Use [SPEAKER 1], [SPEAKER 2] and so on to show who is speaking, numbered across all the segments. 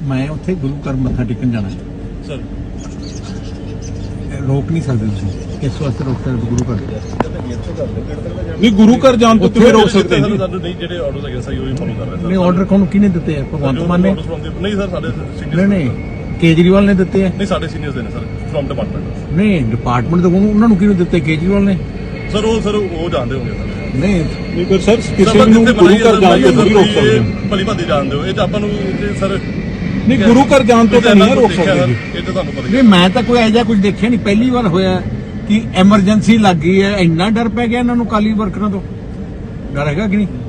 [SPEAKER 1] मैं उत्थे गुरु घर मत्था टेकन जाना
[SPEAKER 2] सर
[SPEAKER 1] रोक नहीं सकते तुसीं किस वास्ते रोक सकते गुरु घर
[SPEAKER 3] नहीं गुरु घर जान तो किवें रोक सकते हैं
[SPEAKER 2] ਸਾਨੂੰ ਨਹੀਂ ਜਿਹੜੇ ਆਰਡਰਸ ਹੈਗੇ ਸਹੀ ਉਹੀ ਫੋਲੋ ਕਰ ਰਹੇ
[SPEAKER 1] नहीं ऑर्डर कौन किने दिते हैं भगवंत मान ने
[SPEAKER 2] ਨਹੀਂ ਸਰ ਸਾਡੇ
[SPEAKER 1] नहीं
[SPEAKER 2] ਸੀਨੀਅਰਸ
[SPEAKER 1] नहीं केजरीवाल ने दिते हैं
[SPEAKER 2] ਨਹੀਂ ਸਾਡੇ ਸੀਨੀਅਰਸ ਦੇ ਨੇ ਸਰ ਫਰਮ ਡਿਪਾਰਟਮੈਂਟ
[SPEAKER 1] नहीं डिपार्टमेंट तो उन्होंने किने दिते केजरीवाल ने
[SPEAKER 2] ਸਰ ਉਹ ਜਾਣਦੇ ਹੋਗੇ ਸਰ
[SPEAKER 1] नहीं
[SPEAKER 3] नहीं पर सर किसी ਨੂੰ ਗੁਰੂ ਘਰ ਜਾਣ ਤੋਂ ਨਹੀਂ ਰੋਕ ਸਕਦੇ
[SPEAKER 2] ਭਲੀ ਭਾਦੀ ਜਾਣਦੇ ਹੋ ਇਹ ਤਾਂ ਆਪਾਂ ਨੂੰ ਸਰ
[SPEAKER 3] नहीं गुरु घर जान तो नहीं रोक सकते
[SPEAKER 2] ਇਹ ਤਾਂ ਤੁਹਾਨੂੰ ਪਤਾ
[SPEAKER 1] नहीं मैं तो कोई ऐसा कुछ देखा नहीं पहली बार होया कि एमरजेंसी लग गई है इन्ना डर पै गया इन्होंने काली वर्करां तो डर हैगा कि नहीं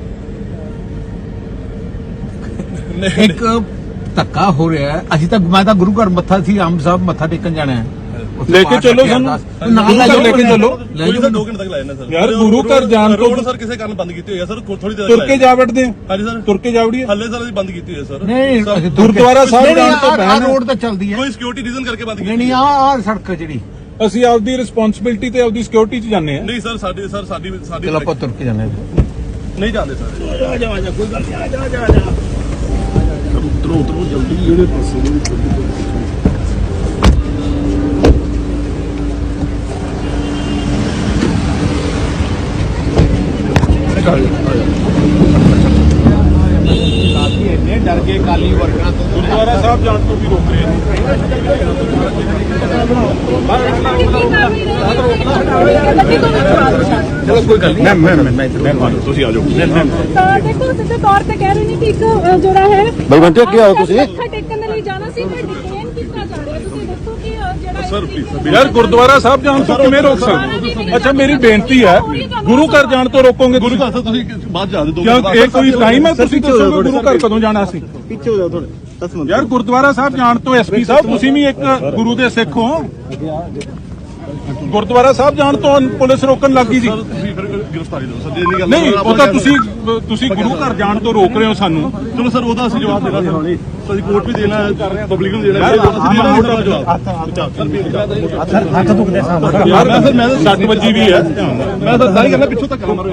[SPEAKER 1] एक धक्का हो रहा है अभी तक मैं तो गुरु घर मत्था सी आम साहब मत्था टेकन जाना है
[SPEAKER 3] लेके चलो सानू लेके चलो
[SPEAKER 2] ਕੋਈ ਤਾਂ 2 ਘੰਟੇ ਤੱਕ ਲਾਇਆ ਨਾ ਸਰ
[SPEAKER 3] यार गुरु घर जान तो
[SPEAKER 2] ਰੋਡ ਸਰ ਕਿਸੇ ਕਾਰਨ ਬੰਦ ਕੀਤੀ ਹੋਈ ਹੈ ਸਰ ਥੋੜੀ ਦੇਰ
[SPEAKER 3] तुर के जा बैठते हैं
[SPEAKER 2] ਹਾਂਜੀ ਸਰ
[SPEAKER 3] तुर के जा वड़िए
[SPEAKER 2] ਹੱਲੇ ਸਰ ਅਸੀਂ ਬੰਦ ਕੀਤੀ ਹੋਈ ਹੈ ਸਰ
[SPEAKER 1] नहीं
[SPEAKER 3] गुरुद्वारा साहब जान तो
[SPEAKER 1] आ रोड तो चलती है
[SPEAKER 2] ਕੋਈ ਸਿਕਿਉਰਿਟੀ ਰੀਜ਼ਨ ਕਰਕੇ ਬੰਦ ਕੀਤੀ
[SPEAKER 1] नहीं नहीं आ सड़क जी
[SPEAKER 3] ਅਸੀਂ ਆਪਦੀ ਰਿਸਪੌਂਸਿਬਿਲਟੀ ਤੇ ਆਪਦੀ ਸਿਕਿਉਰਿਟੀ 'ਚ ਜਾਂਦੇ ਆ
[SPEAKER 2] ਨਹੀਂ ਸਰ ਸਾਡੀ
[SPEAKER 1] चलो आप तुर के जाने
[SPEAKER 2] ਨਹੀਂ ਜਾਂਦੇ ਸਰ
[SPEAKER 3] ਉਤਰੋ ਜਲਦੀ ਇਹਦੇ ਪਾਸੇ
[SPEAKER 1] डर के काली वर्करां तो
[SPEAKER 3] ਗੁਰਦੁਆਰਾ ਸਾਹਿਬ ਜਾਣ ਤੋਂ ਵੀ ਰੋਕ ਰਹੇ ਨੇ
[SPEAKER 1] चलो कोई गल नहीं मैं
[SPEAKER 3] ਤੁਸੀਂ ਆ ਜਾਓ
[SPEAKER 4] ਦੇਖੋ ਸਿੱਧੇ ਤੌਰ ਤੇ ਕਹਿ ਰਹੇ ਨੇ ਕਿ ਇੱਕ ਜਿਹੜਾ ਹੈ
[SPEAKER 5] ਬਲਵੰਤ ਅੱਗੇ ਆਓ ਤੁਸੀਂ
[SPEAKER 4] ਮੱਥਾ ਟੇਕਣ ਦੇ ਲਈ ਜਾਣਾ ਸੀ ਪਰ ਡਿਟੇਨ ਕੀਤਾ ਜਾ ਰਿਹਾ ਤੁਸੀਂ ਦੱਸੋ ਕਿ ਜਿਹੜਾ
[SPEAKER 2] ਸਰ ਪਲੀਜ਼
[SPEAKER 3] ਯਾਰ ਗੁਰਦੁਆਰਾ ਸਾਹਿਬ ਜਾਣ ਤੋਂ ਕਿਵੇਂ ਰੋਕ ਸਕਦੇ ਅੱਛਾ ਮੇਰੀ ਬੇਨਤੀ ਹੈ ਗੁਰੂ ਘਰ ਜਾਣ ਤੋਂ ਰੋਕੋਗੇ
[SPEAKER 2] ਗੁਰੂ ਘਰ ਸਰ ਤੁਸੀਂ ਬਾਅਦ ਜਾ ਦੇ ਦੋ
[SPEAKER 3] ਕਿਉਂ ਇਹ ਕੋਈ ਟਾਈਮ ਹੈ ਤੁਸੀਂ ਦੱਸੋਗੇ ਗੁਰੂ ਘਰ ਕਦੋਂ ਜਾਣਾ ਸੀ
[SPEAKER 5] ਪਿੱਛੇ ਹੋ ਜਾਓ ਥੋੜੇ 10 ਮਿੰਟ
[SPEAKER 3] ਯਾਰ ਗੁਰਦੁਆਰਾ ਸਾਹਿਬ ਜਾਣ ਤੋਂ ਐਸਪੀ ਸਾਹਿਬ ਤੁਸੀਂ ਵੀ ਇੱਕ ਗੁਰੂ ਦੇ ਸਿੱਖ ਹੋ ਗੁਰਦੁਆਰਾ ਸਾਹਿਬ ਜਾਣ ਤੋਂ ਪੁਲਿਸ ਰੋਕਣ ਲੱਗੀ ਸੀ
[SPEAKER 2] ਸਰ ਤੁਸੀਂ ਫਿਰ ਗ੍ਰਿਫਤਾਰੀ ਦਿਓ ਸਰ ਜੇ ਨਹੀਂ ਗੱਲ
[SPEAKER 3] ਨਹੀਂ ਉਹ ਤਾਂ ਤੁਸੀਂ ਗੁਰੂ ਘਰ ਜਾਣ ਤੋਂ ਰੋਕ ਰਹੇ ਹੋ ਸਾਨੂੰ
[SPEAKER 2] ਚਲੋ ਸਰ ਉਹਦਾ ਅਸੀਂ ਜਵਾਬ ਦੇਣਾ ਸਰ ਅਸੀਂ ਕੋਰਟ ਵੀ ਦੇਣਾ ਹੈ ਪਬਲਿਕ ਨੂੰ ਦੇਣਾ ਹੈ ਅਸੀਂ ਦੇਣਾ ਮੋਟਾ ਜਵਾਬ
[SPEAKER 1] हथ दुखते साहब
[SPEAKER 3] ਯਾਰ ਮੈਂ 60 ਵਜੇ ਵੀ ਹੈ
[SPEAKER 2] ਮੈਂ ਤਾਂ ਸਾਰੀ ਕਰਨਾ ਪਿੱਛੋਂ ਤੱਕ ਮਾਰੋ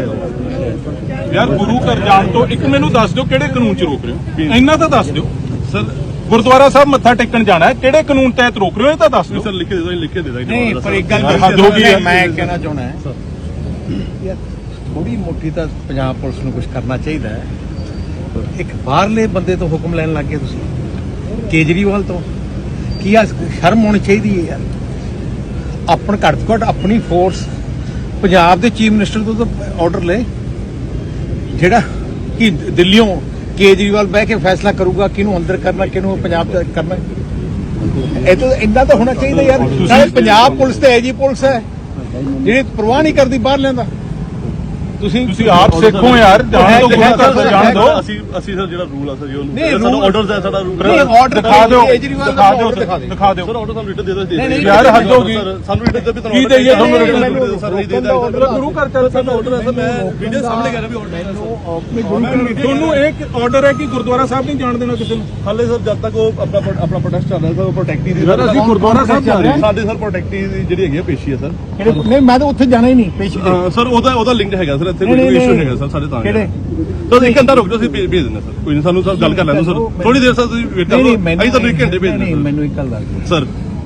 [SPEAKER 3] ਯਾਰ ਗੁਰੂ ਘਰ ਜਾਣ ਤੋਂ ਇੱਕ ਮੈਨੂੰ ਦੱਸ ਦਿਓ ਕਿਹੜੇ ਕਾਨੂੰਨ 'ਚ ਰੋਕ ਰਹੇ ਹੋ ਇੰਨਾ ਤਾਂ ਦੱਸ ਦਿਓ
[SPEAKER 2] ਸਰ
[SPEAKER 3] ਗੁਰਦੁਆਰਾ ਸਾਹਿਬ ਮੱਥਾ ਟੇਕਣ ਜਾਣਾ ਹੈ ਕਿਹੜੇ ਕਾਨੂੰਨ ਤਹਿਤ ਰੋਕ ਰਹੇ ਹੋ ਇਹ ਤਾਂ ਦੱਸ ਦਿਓ
[SPEAKER 2] ਸਰ ਲਿਖ ਕੇ ਦੇ ਦੋ ਲਿਖ ਕੇ ਦੇ ਦਾਂਗੇ
[SPEAKER 1] नहीं पर एक गल
[SPEAKER 3] हद हो गई है।
[SPEAKER 1] मैं कहना चाहना है यार थोड़ी मोटी तो पंजाब पुलिस ਨੂੰ कुछ करना चाहिए एक बाहरले बंदे तो हुक्म लैन लग गए तुसीं केजरीवाल तो की आ शर्म होनी चाहिए है यार अपन घट तो घट अपनी फोर्स पंजाब के चीफ मिनिस्टर तो ऑर्डर ले जेड़ा कि दिल्लियों केजरीवाल बह के फैसला करूगा किनू अंदर करना किनू पंजाब करना ਇਹ ਤਾਂ ਇਦਾਂ ਤਾਂ ਹੋਣਾ ਚਾਹੀਦਾ ਯਾਰ ਸਾਰੇ ਪੰਜਾਬ ਪੁਲਿਸ ਤੇ ਐਜੀ ਪੁਲਿਸ ਹੈ ਜਿਹੜੀ ਪਰਵਾਹ ਨਹੀਂ ਕਰਦੀ ਬਾਹਰ ਲੈਂਦਾ
[SPEAKER 3] ਤੁਸੀਂ ਆਪ ਸਿੱਖੋ ਯਾਰ ਜਾਣ ਤੋਂ ਗੁਰੂ ਘਰ ਤੋਂ ਜਾਣ ਦਿਓ
[SPEAKER 2] ਅਸੀਂ ਸਰ ਜਿਹੜਾ ਰੂਲ ਆ ਸਰ ਜੀ
[SPEAKER 1] ਨਹੀਂ,
[SPEAKER 2] ਉਹਨੂੰ ਸਾਡਾ
[SPEAKER 1] rule-
[SPEAKER 2] ਆਰਡਰਸ ਹੈ ਸਾਡਾ ਰੂਲ
[SPEAKER 1] ਨਹੀਂ ਆਰਡਰ
[SPEAKER 3] ਦਿਖਾ ਦਿਓ
[SPEAKER 1] ਕੇਜਰੀਵਾਲ ਦਾ
[SPEAKER 3] ਦਿਖਾ ਦਿਓ
[SPEAKER 1] order ਦਿਖਾ ਦਿਓ
[SPEAKER 3] ਦਿਖਾ ਦਿਓ
[SPEAKER 2] ਸਰ ਆਰਡਰ ਸਾਨੂੰ ਰਿਟਨ ਦੇ ਦੋ
[SPEAKER 1] ਨਹੀਂ,
[SPEAKER 3] ਯਾਰ ਹੱਦ ਹੋ ਗਈ
[SPEAKER 2] ਸਾਨੂੰ ਰਿਟਨ ਦੇ ਵੀ
[SPEAKER 3] ਕੀ ਦੇਈਏ ਤੁਹਾਨੂੰ
[SPEAKER 1] ਨਹੀਂ,
[SPEAKER 3] ਰਿਟਨ
[SPEAKER 1] ਮੈਨੂੰ
[SPEAKER 2] ਸਰ ਨਹੀਂ
[SPEAKER 1] ਰੋਕਣ ਦਾ order
[SPEAKER 2] ਦੇਦਾ
[SPEAKER 3] ਗੁਰੂ ਘਰ ਚੱਲ
[SPEAKER 2] ਸਾਡਾ ਆਰਡਰ ਹੈ ਸਰ ਮੈਂ ਵੀਡੀਓ ਸਾਹਮਣੇ ਕਰ ਰਿਹਾ ਵੀ ਆਰਡਰ ਹੈ
[SPEAKER 3] ਤੁਹਾਨੂੰ ਇੱਕ ਆਰਡਰ ਹੈ ਕਿ ਗੁਰਦੁਆਰਾ ਸਾਹਿਬ ਨਹੀਂ ਜਾਣ ਦੇਣਾ ਕਿਸੇ ਨੂੰ
[SPEAKER 2] ਹਾਲੇ ਸਰ ਜਦ ਤੱਕ ਉਹ ਆਪਣਾ ਪ੍ਰੋਟੈਸਟ ਚੱਲ ਰਿਹਾ ਸਰ ਉਹ ਪ੍ਰੋਟੈਕਟੀ ਦੀ
[SPEAKER 3] ਯਾਰ ਅਸੀਂ ਗੁਰਦੁਆਰਾ ਸਾਹਿਬ ਜਾ ਰਹੇ ਹਾਂ
[SPEAKER 2] ਸਾਡੇ ਸਰ ਪ੍ਰੋਟੈਕਟੀ ਦੀ ਜਿਹੜੀ ਹੈਗੀ ਆ ਪੇਸ਼ੀ ਹੈ ਸਰ
[SPEAKER 1] ਨਹੀਂ ਮੈਂ ਤਾਂ ਉੱਥੇ ਜਾਣਾ ਹੀ ਨਹੀਂ ਪੇਸ਼ੀ ਤੇ
[SPEAKER 2] ਸਰ ਉਹਦਾ ਲਿੰਕ ਹੈਗਾ ਸਰ ਇੱਥੇ
[SPEAKER 1] ਨਹੀਂ,
[SPEAKER 2] ਕੋਈ
[SPEAKER 1] ਨਹੀਂ,
[SPEAKER 2] ਇਸ਼ੂ
[SPEAKER 1] ਨਹੀਂ।
[SPEAKER 2] ਹੈਗਾ ਸਰ ਸਾਡੇ ਤਾਂ
[SPEAKER 1] ਕਿਹੜੇ
[SPEAKER 2] ਸਰ ਇੱਕ ਘੰਟਾ ਰੁਕ ਜਾਓ ਅਸੀਂ ਭੇਜ ਦਿੰਦੇ ਸਰ ਕੋਈ ਨਹੀਂ ਸਾਨੂੰ ਸਰ ਗੱਲ ਕਰ ਲੈਣ ਦਿਓ ਸਰ ਥੋੜੀ ਦੇਰ ਸਰ ਤੁਸੀਂ ਵੇਟ ਕਰੋ ਅਸੀਂ ਤੁਹਾਨੂੰ 1 ਘੰਟੇ ਭੇਜ
[SPEAKER 1] ਨਹੀਂ
[SPEAKER 2] ਦਿੰਦੇ
[SPEAKER 1] ਮੈਨੂੰ ਇੱਕ ਗੱਲ ਦੱਸ ਦਿਓ
[SPEAKER 2] ਸਰ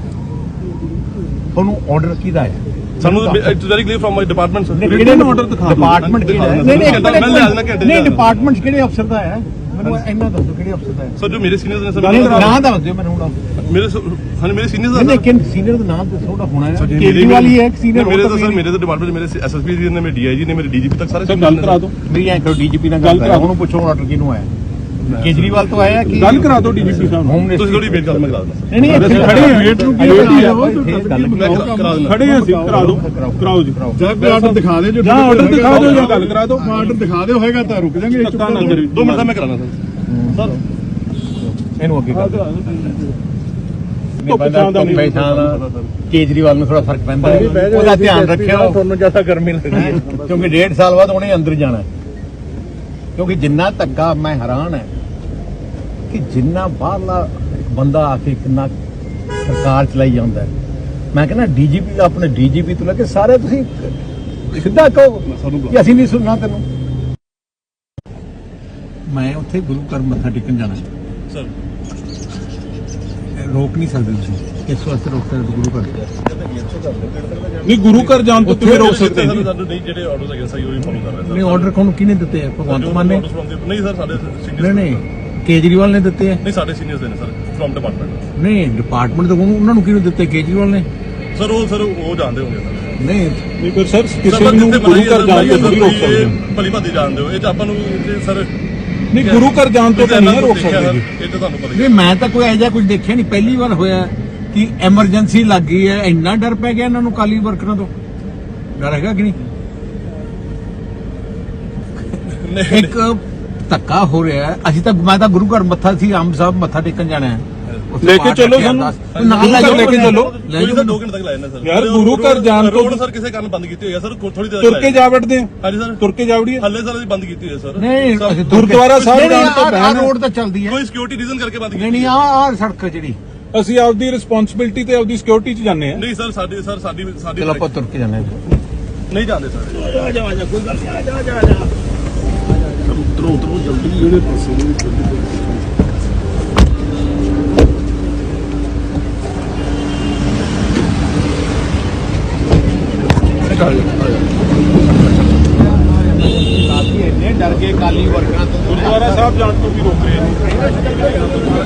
[SPEAKER 1] ਤੁਹਾਨੂੰ ਆਰਡਰ ਕਿਹਦਾ ਹੈ
[SPEAKER 2] ਸਾਨੂੰ it's very clear from my department sir
[SPEAKER 1] ਕਿਹੜੇ
[SPEAKER 3] order ਦਿਖਾ ਦਿਓ।
[SPEAKER 1] ਡਿਪਾਰਟਮੈਂਟ ਕਿਹੜਾ ਹੈ
[SPEAKER 2] ਦਿਖਾ
[SPEAKER 1] ਨਹੀਂ ਨਹੀਂ
[SPEAKER 2] ਦਿਓ। ਮੈਂ ਲਿਆ ਦੇਣਾ ਘੰਟੇ
[SPEAKER 1] ਨਹੀਂ
[SPEAKER 2] ਚ।
[SPEAKER 1] ਡਿਪਾਰਟਮੈਂਟ ਕਿਹੜੇ ਅਫਸਰ ਦਾ ਹੈ ਮੈਨੂੰ ਇੰਨਾ ਦੱਸੋ ਕਿਹੜੇ ਅਫਸਰ ਦਾ ਹੈ
[SPEAKER 2] ਸਰ ਜੋ ਮੇਰੇ ਸੀਨੀਅਰਸ ਨੇ ਸਰ
[SPEAKER 1] ਨਾਮ ਦੱਸ ਦਿਓ ਮੈਨੂੰ ਹੁਣ
[SPEAKER 2] ਮੇਰੇ ਮੇਰੇ ਸੀਨੀਅਰਸ
[SPEAKER 1] ਨਹੀਂ
[SPEAKER 2] ਨੇ
[SPEAKER 1] ਲੇਕਿਨ ਸੀਨੀਅਰ ਦਾ ਨਾਮ ਦੱਸੋ ਉਹਦਾ ਹੋਣਾ ਹੈ
[SPEAKER 2] ਮੇਰੇ
[SPEAKER 1] ਕੇਜਰੀਵਾਲ ਹੀ ਹੈ ਇੱਕ senior
[SPEAKER 2] ਮੇਰੇ
[SPEAKER 1] ਹੋਰ
[SPEAKER 2] ਤਾਂ
[SPEAKER 1] ਤਾਂ
[SPEAKER 2] ਸਰ ਮੇਰੇ ਤਾਂ ਡਿਪਾਰਟਮੈਂਟ ਮੇਰੇ ਐਸਐਸਪੀ ਜੀ ਨੇ ਮੇਰੇ ਡੀਆਈਜੀ ਨੇ ਮੇਰੇ ਡੀਜੀਪੀ ਤੱਕ ਸਾਰੇ
[SPEAKER 3] ਸਰ ਗੱਲ ਕਰਾ ਦਿਓ
[SPEAKER 1] ਮੇਰੀ ਐਂ ਕਰੋ ਡੀਜੀਪੀ ਨਾਲ ਗੱਲ ਕਰਾ ਉਹਨੂੰ ਪੁੱਛੋ ਆਰਡਰ ਕਿਹਨੂੰ ਆਇਆ ਕੇਜਰੀਵਾਲ ਤੋਂ ਆਇਆ ਕਿ
[SPEAKER 3] ਗੱਲ ਕਰਾ ਦਿਓ ਡੀਜੀਪੀ ਸਾਹਿਬ
[SPEAKER 1] ਹੋਮ
[SPEAKER 3] ਨੂੰ
[SPEAKER 2] ਤੁਸੀਂ ਥੋੜੀ ਵੇਟ ਕਰੋ ਮੈਂ ਕਰਾ ਦਿੰਦਾ
[SPEAKER 1] ਨਹੀਂ ਨਹੀਂ ਇੱਥੇ
[SPEAKER 3] ਖੜੇ ਹਾਂ, ਵੇਟ ਨੂੰ ਕੀ
[SPEAKER 1] ਵੇਟ ਹੀ
[SPEAKER 3] ਹੈ?
[SPEAKER 1] ਆ, ਇੱਥੇ ਗੱਲ
[SPEAKER 2] ਕਰਾ ਦਿੰਦਾ
[SPEAKER 3] ਖੜੇ ਹਾਂ ਅਸੀਂ ਕਰਾ ਦਿਓ ਕਰਾਓ ਜੀ
[SPEAKER 5] ਜਾਂ ਕੋਈ ਆਰਡਰ ਦਿਖਾ ਦਿਓ
[SPEAKER 3] ਜਾਂ ਆਰਡਰ ਦਿਖਾ ਦਿਓ ਜਾਂ ਗੱਲ ਕਰਾ ਦਿਓ
[SPEAKER 5] ਆਰਡਰ ਦਿਖਾ ਦਿਓ ਹੋਏਗਾ ਤਾਂ ਰੁਕ ਜਾਾਂਗੇ
[SPEAKER 3] ਧੱਕਾ ਨਾ ਕਰੀ
[SPEAKER 2] 2 ਮਿੰਟ ਦਾ ਮੈਂ ਕਰਾਣਾ ਸਰ
[SPEAKER 1] ਇਹਨੂੰ ਅੱਗੇ ਕਰ
[SPEAKER 3] ਧੁੱਪ ਛਾਂ ਦਾ ਨਹੀਂ।
[SPEAKER 1] ਕੇਜਰੀਵਾਲ ਨੂੰ ਥੋੜਾ ਫਰਕ ਪੈਂਦਾ ਹੈ। ਉਹਦਾ ਧਿਆਨ ਰੱਖਿਓ ਤੁਹਾਨੂੰ ਜ਼ਿਆਦਾ ਗਰਮੀ ਲੱਗਦੀ ਹੈ ਕਿਉਂਕਿ 1.5 ਸਾਲ ਬਾਅਦ ਉਹਨੇ ਅੰਦਰ ਜਾਣਾ ਹੈ। ਕਿਉਂਕਿ ਜਿੰਨਾ ਧੱਕਾ ਮੈਂ ਹੈਰਾਨ ਹੈ ਕਿ ਜਿੰਨਾ ਬਾਹਰਲਾ ਇੱਕ ਬੰਦਾ ਆ ਕੇ ਕਿੰਨਾ ਸਰਕਾਰ ਚਲਾਈ ਜਾਂਦਾ ਹੈ। ਮੈਂ ਕਹਿੰਦਾ ਡੀਜੀਪੀ ਆਪਣੇ ਡੀਜੀਪੀ ਤੋਂ ਲੈ ਕੇ ਸਾਰੇ ਤੁਸੀਂ ਸਿੱਧਾ ਕਹੋ ਕਿ ਅਸੀਂ ਨਹੀਂ ਸੁਣਨਾ ਤੈਨੂੰ ਮੈਂ ਉੱਥੇ ਗੁਰੂ ਘਰ ਮੱਥਾ ਟੇਕਣ ਜਾਣਾ
[SPEAKER 2] ਸਰ
[SPEAKER 1] ਰੋਕ ਨਹੀਂ ਸਕਦੇ ਤੁਸੀਂ ਇਸ ਵਾਸਤੇ ਰੋਕ ਸਕਦੇ ਗੁਰੂ ਘਰ
[SPEAKER 3] ਨਹੀਂ ਗੁਰੂ ਘਰ ਜਾਣ ਤੋਂ ਕਿਵੇਂ ਰੋਕ ਸਕਦੇ ਜੀ
[SPEAKER 2] ਸਾਨੂੰ ਨਹੀਂ ਜਿਹੜੇ ਆਰਡਰਸ ਹੈਗੇ ਸਹੀ ਉਹੀ ਫੋਲੋ ਕਰ ਰਹੇ
[SPEAKER 1] ਨਹੀਂ ਆਰਡਰ ਕੋਣ ਕਿਹਨੇ ਦਿੱਤੇ ਆ ਭਗਵੰਤ ਮਾਨ ਨੇ
[SPEAKER 2] ਨਹੀਂ ਸਰ ਸਾਡੇ
[SPEAKER 1] ਨਹੀਂ ਨਹੀਂ ਕੇਜਰੀਵਾਲ ਨੇ ਦਿੱਤੇ ਆ
[SPEAKER 2] ਨਹੀਂ ਸਾਡੇ ਸੀਨੀਅਰਸ ਨੇ ਸਰ ਫਰਮ ਡਿਪਾਰਟਮੈਂਟ
[SPEAKER 1] ਨਹੀਂ ਡਿਪਾਰਟਮੈਂਟ ਤੋਂ ਉਹਨਾਂ ਨੂੰ ਕਿਹਨੂੰ ਦਿੱਤੇ ਕੇਜਰੀਵਾਲ ਨੇ
[SPEAKER 2] ਸਰ ਉਹ ਜਾਣਦੇ ਹੋਗੇ ਸਰ
[SPEAKER 1] ਨਹੀਂ
[SPEAKER 3] ਨਹੀਂ ਪਰ ਸਰ ਕਿਸੇ ਨੂੰ ਗੁਰੂ ਘਰ ਜਾਣ ਤੋਂ ਨਹੀਂ ਰੋਕ ਸਕਦੇ
[SPEAKER 2] ਭਲੀ ਭਾਦੀ ਜਾਣਦੇ ਹੋ ਇਹ ਤਾਂ ਆਪਾਂ ਨੂੰ ਸਰ
[SPEAKER 3] ਨਹੀਂ ਗੁਰੂ ਘਰ ਜਾਣ ਤੋਂ ਤਾਂ ਨਹੀਂ ਰੋਕ ਸਕਦੇ ਜੀ
[SPEAKER 2] ਇਹ ਤਾਂ ਤੁਹਾਨੂੰ ਪਤਾ ਹੀ
[SPEAKER 1] ਨਹੀਂ ਮੈਂ ਤਾਂ ਕੋਈ ਐਜਾ ਕੁਝ ਦੇਖਿਆ ਨਹੀਂ ਪਹਿਲੀ ਵਾਰ ਹੋਇਆ ਕਿ ਐਮਰਜੈਂਸੀ ਲੱਗ ਗਈ ਹੈ ਇੰਨਾ ਡਰ ਪੈ ਗਿਆ ਇਹਨਾਂ ਨੂੰ ਕਾਲੀ ਵਰਕਰਾਂ ਤੋਂ ਡਰ ਹੈਗਾ ਕਿ ਨਹੀਂ
[SPEAKER 2] ਨਹੀਂ
[SPEAKER 1] ਇੱਕ ਧੱਕਾ ਹੋ ਰਿਹਾ ਹੈ ਅਸੀਂ ਤਾਂ ਮੈਂ ਤਾਂ ਗੁਰੂ ਘਰ ਮੱਥਾ ਸੀ ਆਮ ਸਾਹਿਬ ਮੱਥਾ ਟੇਕਣ ਜਾਣਾ ਹੈ
[SPEAKER 3] ਲੈ ਕੇ ਚੱਲੋ ਸਾਨੂੰ
[SPEAKER 1] ਨਾਲ ਲੈ
[SPEAKER 3] ਲੈ ਕੇ ਚੱਲੋ
[SPEAKER 1] ਲੈ
[SPEAKER 2] ਕੋਈ
[SPEAKER 1] ਜਾਓ।
[SPEAKER 2] ਤਾਂ 2 ਘੰਟੇ ਤੱਕ ਲਾਇਆ ਨਾ ਸਰ
[SPEAKER 3] ਯਾਰ ਗੁਰੂ ਘਰ ਜਾਣ ਤੋਂ
[SPEAKER 2] ਰੋਡ ਸਰ ਕਿਸੇ ਕਾਰਨ ਬੰਦ ਕੀਤੀ ਹੋਈ ਹੈ ਸਰ ਥੋੜੀ ਦੇਰ
[SPEAKER 3] ਤੁਰ ਕੇ ਜਾ ਵੜਦੇ ਆ
[SPEAKER 2] ਹਾਂਜੀ ਸਰ
[SPEAKER 3] ਤੁਰ ਕੇ ਜਾ ਵੜੀਏ
[SPEAKER 2] ਹੱਲੇ ਸਰ ਅਸੀਂ ਬੰਦ ਕੀਤੀ ਹੋਈ ਹੈ ਸਰ
[SPEAKER 1] ਨਹੀਂ
[SPEAKER 2] ਸਰ,
[SPEAKER 1] ਅਸੀਂ
[SPEAKER 3] ਗੁਰਦੁਆਰਾ ਸਾਹਿਬ ਜਾਣ ਤੋਂ
[SPEAKER 1] ਆਹ ਰੋਡ ਤਾਂ ਚੱਲਦੀ ਹੈ
[SPEAKER 2] ਕੋਈ ਸਿਕਿਉਰਿਟੀ ਰੀਜ਼ਨ ਕਰਕੇ ਬੰਦ ਕੀਤੀ
[SPEAKER 1] ਨਹੀਂ ਨਹੀਂ ਆਹ ਸੜਕ ਜਿਹੜੀ
[SPEAKER 3] ਅਸੀਂ ਆਪਦੀ ਰਿਸਪੌਂਸਿਬਿਲਟੀ ਤੇ ਆਪਦੀ ਸਿਕਿਉਰਿਟੀ 'ਚ ਜਾਂਦੇ ਆ
[SPEAKER 2] ਨਹੀਂ ਸਰ ਸਾਡੀ
[SPEAKER 1] ਚਲੋ ਆਪਾਂ ਤੁਰ ਕੇ ਜਾਣਾ
[SPEAKER 2] ਨਹੀਂ ਜਾਂਦੇ ਸਰ
[SPEAKER 1] ਡਰ ਕੇ ਕਾਲੀ ਵਰਕਰਾਂ ਤੋਂ
[SPEAKER 3] ਗੁਰਦੁਆਰਾ ਸਾਹਿਬ ਜਾਣ ਤੋਂ ਵੀ ਰੋਕ ਰਹੇ ਨੇ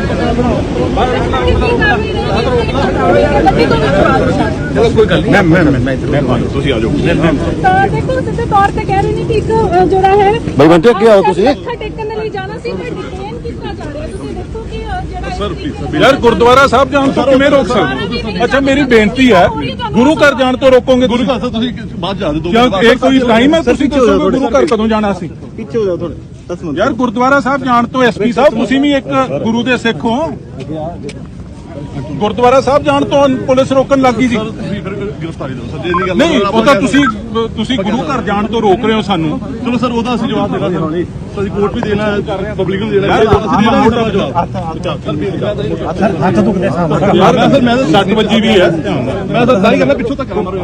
[SPEAKER 1] ਚਲੋ ਕੋਈ ਗੱਲ ਨਹੀਂ ਮੈਂ
[SPEAKER 2] ਤੁਸੀਂ ਆ ਜਾਓ
[SPEAKER 4] ਤਾਂ ਦੇਖੋ ਸਿੱਧੇ ਤੌਰ ਤੇ ਕਹਿ ਰਹੇ ਨੇ ਕਿ ਇੱਕ ਜਿਹੜਾ ਹੈ
[SPEAKER 5] ਬਾਈ ਬੰਟੇ, ਅੱਗੇ ਆਓ ਤੁਸੀਂ।
[SPEAKER 4] ਮੱਥਾ ਟੇਕਣ ਦੇ ਲਈ ਜਾਣਾ ਸੀ ਮੈਂ ਡਿਟੇਨ ਕੀਤਾ ਜਾ ਰਿਹਾ ਤੁਸੀਂ ਦੇਖੋ ਕਿ ਜਿਹੜਾ
[SPEAKER 2] ਸਰ
[SPEAKER 3] ਯਾਰ ਗੁਰਦੁਆਰਾ ਸਾਹਿਬ ਜਾਣ ਤੋਂ ਕਿਵੇਂ ਰੋਕ ਸਕਦੇ ਅੱਛਾ ਮੇਰੀ ਬੇਨਤੀ ਹੈ ਗੁਰੂ ਘਰ ਜਾਣ ਤੋਂ ਰੋਕੋਗੇ
[SPEAKER 2] ਗੁਰੂ
[SPEAKER 3] ਤੁਸੀਂ
[SPEAKER 2] ਘਰ ਸਰ ਤੁਸੀਂ ਬਾਅਦ ਜਾ ਦਿਓ
[SPEAKER 3] ਕਿਉਂ ਇਹ ਕੋਈ ਟਾਈਮ ਹੈ ਤੁਸੀਂ ਦੱਸੋਗੇ ਗੁਰੂ ਘਰ ਕਦੋਂ ਜਾਣਾ ਸੀ
[SPEAKER 5] ਪਿੱਛੇ ਹੋ ਜਾਓ ਥੋੜੇ 10 ਮਿੰਟ
[SPEAKER 3] ਯਾਰ ਗੁਰਦੁਆਰਾ ਸਾਹਿਬ ਜਾਣ ਤੋਂ ਐਸਪੀ ਸਾਹਿਬ ਤੁਸੀਂ ਵੀ ਇੱਕ ਗੁਰੂ ਦੇ ਸਿੱਖ ਹੋ ਗੁਰਦੁਆਰਾ ਸਾਹਿਬ ਜਾਣ ਤੋਂ ਪੁਲਿਸ ਰੋਕਣ ਲੱਗੀ ਸੀ
[SPEAKER 2] ਸਰ ਤੁਸੀਂ ਫਿਰ ਗ੍ਰਿਫਤਾਰੀ ਦਿਓ ਸਰ ਜੇ ਨਹੀਂ ਗੱਲ
[SPEAKER 3] ਨਹੀਂ ਉਹ ਤਾਂ ਤੁਸੀਂ ਗੁਰੂ ਘਰ ਜਾਣ ਤੋਂ ਰੋਕ ਰਹੇ ਹੋ ਸਾਨੂੰ
[SPEAKER 2] ਚਲੋ ਸਰ ਉਹਦਾ ਅਸੀਂ ਜਵਾਬ ਦੇਣਾ ਸਰ ਅਸੀਂ ਕੋਰਟ ਵੀ ਦੇਣਾ ਹੈ ਪਬਲਿਕ ਨੂੰ ਦੇਣਾ ਹੈ ਅਸੀਂ ਦੇਣਾ ਮੋਟਾ ਜਵਾਬ
[SPEAKER 1] ਹੱਥ ਦੁਖਦੇ ਸਾਹਮਣੇ
[SPEAKER 3] ਯਾਰ ਸਰ ਮੈਂ ਤਾਂ 60 ਵਜੇ ਵੀ ਹੈ
[SPEAKER 2] ਮੈਂ ਤਾਂ ਸਾਰੀ ਗੱਲਾਂ ਪਿੱਛੋਂ ਤੱਕ ਮਾਰੋ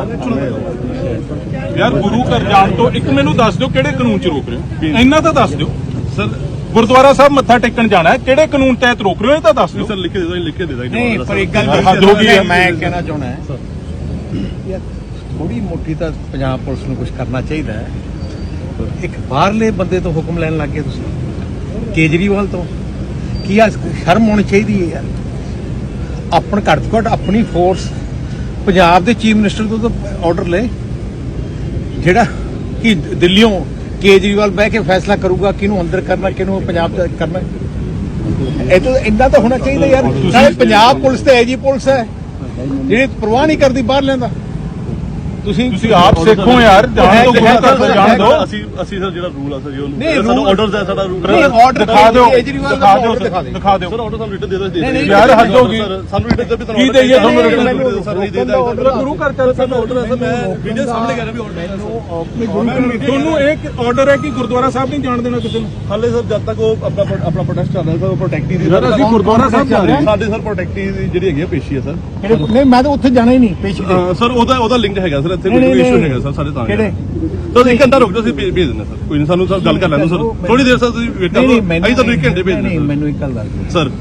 [SPEAKER 2] ਯਾਰ
[SPEAKER 3] ਯਾਰ ਗੁਰੂ ਘਰ ਜਾਣ ਤੋਂ ਇੱਕ ਮੈਨੂੰ ਦੱਸ ਦਿਓ ਕਿਹੜੇ ਕਾਨੂੰਨ 'ਚ ਰੋਕ ਰਹੇ ਹੋ ਇੰਨਾ ਤਾਂ ਦੱਸ ਦਿਓ
[SPEAKER 2] ਸਰ
[SPEAKER 3] ਗੁਰਦੁਆਰਾ ਸਾਹਿਬ ਮੱਥਾ ਟੇਕਣ ਜਾਣਾ ਹੈ ਕਿਹੜੇ ਕਾਨੂੰਨ ਤਹਿਤ ਰੋਕ ਰਹੇ ਹੋ ਇਹ ਤਾਂ ਦੱਸ ਦਿਓ
[SPEAKER 2] ਸਰ ਲਿਖ ਕੇ ਦੇ ਦੋ ਲਿਖ ਕੇ ਦੇ ਦਾਂਗੇ
[SPEAKER 1] ਨਹੀਂ ਪਰ ਇੱਕ ਗੱਲ
[SPEAKER 3] ਹੱਦ ਹੋ ਗਈ ਹੈ।
[SPEAKER 1] ਮੈਂ ਕਹਿਣਾ ਚਾਹੁੰਦਾ ਯਾਰ ਥੋੜੀ ਮੋਟੀ ਤਾਂ ਪੰਜਾਬ ਪੁਲਿਸ ਨੂੰ ਕੁਝ ਕਰਨਾ ਚਾਹੀਦਾ ਹੈ ਇੱਕ ਬਾਹਰਲੇ ਬੰਦੇ ਤੋਂ ਹੁਕਮ ਲੈਣ ਲੱਗ ਗਏ ਤੁਸੀਂ ਕੇਜਰੀਵਾਲ ਤੋਂ ਕੀ ਆ ਸ਼ਰਮ ਹੋਣੀ ਚਾਹੀਦੀ ਹੈ ਯਾਰ ਆਪਣ ਘੱਟ ਤੋਂ ਘੱਟ ਆਪਣੀ ਫੋਰਸ ਪੰਜਾਬ ਦੇ ਚੀਫ ਮਿਨਿਸਟਰ ਤੋਂ ਤਾਂ ਆਰਡਰ ਲੈ ਜਿਹੜਾ ਕਿ ਦਿੱਲੀੋਂ ਕੇਜਰੀਵਾਲ ਬਹਿ ਕੇ ਫੈਸਲਾ ਕਰੂਗਾ ਕਿਹਨੂੰ ਅੰਦਰ ਕਰਨਾ ਕਿਹਨੂੰ ਪੰਜਾਬ ਦਾ ਕਰਨਾ ਇਹ ਤਾਂ ਇੰਨਾ ਤਾਂ ਹੋਣਾ ਚਾਹੀਦਾ ਯਾਰ ਸਾਰੇ ਪੰਜਾਬ ਪੁਲਿਸ ਤੇ ਐਜੀ ਪੁਲਿਸ ਹੈ ਜਿਹੜੀ ਪਰਵਾਹ ਨਹੀਂ ਕਰਦੀ ਬਾਹਰ ਲੈਂਦਾ
[SPEAKER 3] ਤੁਸੀਂ ਆਪ ਸਿੱਖੋ ਯਾਰ ਜਾਣ ਤੋਂ ਗੁਰੂ ਘਰ ਤੋਂ ਜਾਣ ਦਿਓ
[SPEAKER 2] ਅਸੀਂ ਸਰ ਜਿਹੜਾ ਰੂਲ ਆ ਸਰ ਉਹ
[SPEAKER 1] ਨਹੀਂ,
[SPEAKER 2] ਸਾਡਾ
[SPEAKER 1] rule-
[SPEAKER 2] ਆਰਡਰਸ ਹੈ ਸਾਡਾ ਰੂਲ
[SPEAKER 1] ਨਹੀਂ, order
[SPEAKER 3] ਦਿਖਾ ਦਿਓ
[SPEAKER 1] ਕੇਜਰੀਵਾਲ ਦਾ
[SPEAKER 3] ਦਿਖਾ ਦਿਓ
[SPEAKER 1] order ਦਿਖਾ ਦਿਓ।
[SPEAKER 3] ਦਿਖਾ ਦਿਓ
[SPEAKER 2] ਸਰ ਆਰਡਰ ਸਾਨੂੰ ਰਿਟਨ ਦੇ ਦੋ
[SPEAKER 1] ਨਹੀਂ, ਨਹੀਂ,
[SPEAKER 3] ਯਾਰ ਹੱਦ ਹੋ ਗਈ
[SPEAKER 2] ਸਾਨੂੰ ਰਿਟਨ ਦੇ ਵੀ
[SPEAKER 3] ਕੀ ਦੇਈਏ ਤੁਹਾਨੂੰ
[SPEAKER 2] ਰਿਟਨ
[SPEAKER 3] written?
[SPEAKER 2] ਸਰ ਨਹੀਂ ਦੇ
[SPEAKER 3] ਗੁਰੂ ਘਰ ਚੱਲ
[SPEAKER 2] ਸਾਨੂੰ ਆਰਡਰ ਹੈ ਸਰ ਮੈਂ ਵੀਡੀਓ ਸਾਹਮਣੇ ਕਰ ਰਿਹਾ ਵੀ ਆਰਡਰ ਹੈ
[SPEAKER 3] ਤੁਹਾਨੂੰ ਇੱਕ ਆਰਡਰ ਹੈ ਕਿ ਗੁਰਦੁਆਰਾ ਸਾਹਿਬ ਨਹੀਂ ਜਾਣ ਦੇਣਾ ਕਿਸੇ ਨੂੰ
[SPEAKER 2] ਹਾਲੇ ਸਰ ਜਦ ਤੱਕ ਉਹ ਆਪਣਾ ਪ੍ਰੋਟੈਸਟ ਚੱਲ ਰਿਹਾ ਸਰ ਉਹ ਪ੍ਰੋਟੈਕਟੀ ਦੀ
[SPEAKER 3] ਯਾਰ ਅਸੀਂ ਗੁਰਦੁਆਰਾ ਸਾਹਿਬ ਜਾ ਰਹੇ ਹਾਂ
[SPEAKER 2] ਸਾਡੇ ਸਰ ਪ੍ਰੋਟੈਕਟੀ ਦੀ ਜਿਹੜੀ ਹੈਗੀ ਆ ਪੇਸ਼ੀ ਹੈ ਸਰ
[SPEAKER 1] ਨਹੀਂ ਮੈਂ ਤਾਂ ਉੱਥੇ ਜਾਣਾ ਹੀ ਨਹੀਂ ਪੇਸ਼ੀ ਤੇ
[SPEAKER 2] ਸਰ ਉਹਦਾ ਲਿੰਕ ਹੈਗਾ ਸਰ ਇੱਥੇ
[SPEAKER 1] ਨਹੀਂ,
[SPEAKER 2] ਕੋਈ
[SPEAKER 1] ਨਹੀਂ,
[SPEAKER 2] ਇਸ਼ੂ
[SPEAKER 1] ਨਹੀਂ।
[SPEAKER 2] ਹੈਗਾ ਸਰ ਸਾਡੇ ਤਾਂ
[SPEAKER 1] ਕਿਹੜੇ?
[SPEAKER 2] ਸਰ 1 ਘੰਟਾ ਰੁਕ ਜਾਓ ਅਸੀਂ ਭੇਜ ਦਿੰਦੇ ਸਰ ਕੋਈ ਨਹੀਂ ਸਾਨੂੰ ਸਰ ਗੱਲ ਕਰ ਲੈਣ ਦਿਓ ਸਰ ਥੋੜੀ ਦੇਰ ਸਰ ਤੁਸੀਂ ਵੇਟ ਕਰੋ ਅਸੀਂ ਤੁਹਾਨੂੰ 1 ਘੰਟੇ ਭੇਜ
[SPEAKER 1] ਨਹੀਂ
[SPEAKER 2] ਦਿੰਦੇ
[SPEAKER 1] ਮੈਨੂੰ ਇੱਕ ਗੱਲ ਦੱਸ ਦਿਓ
[SPEAKER 2] ਸਰ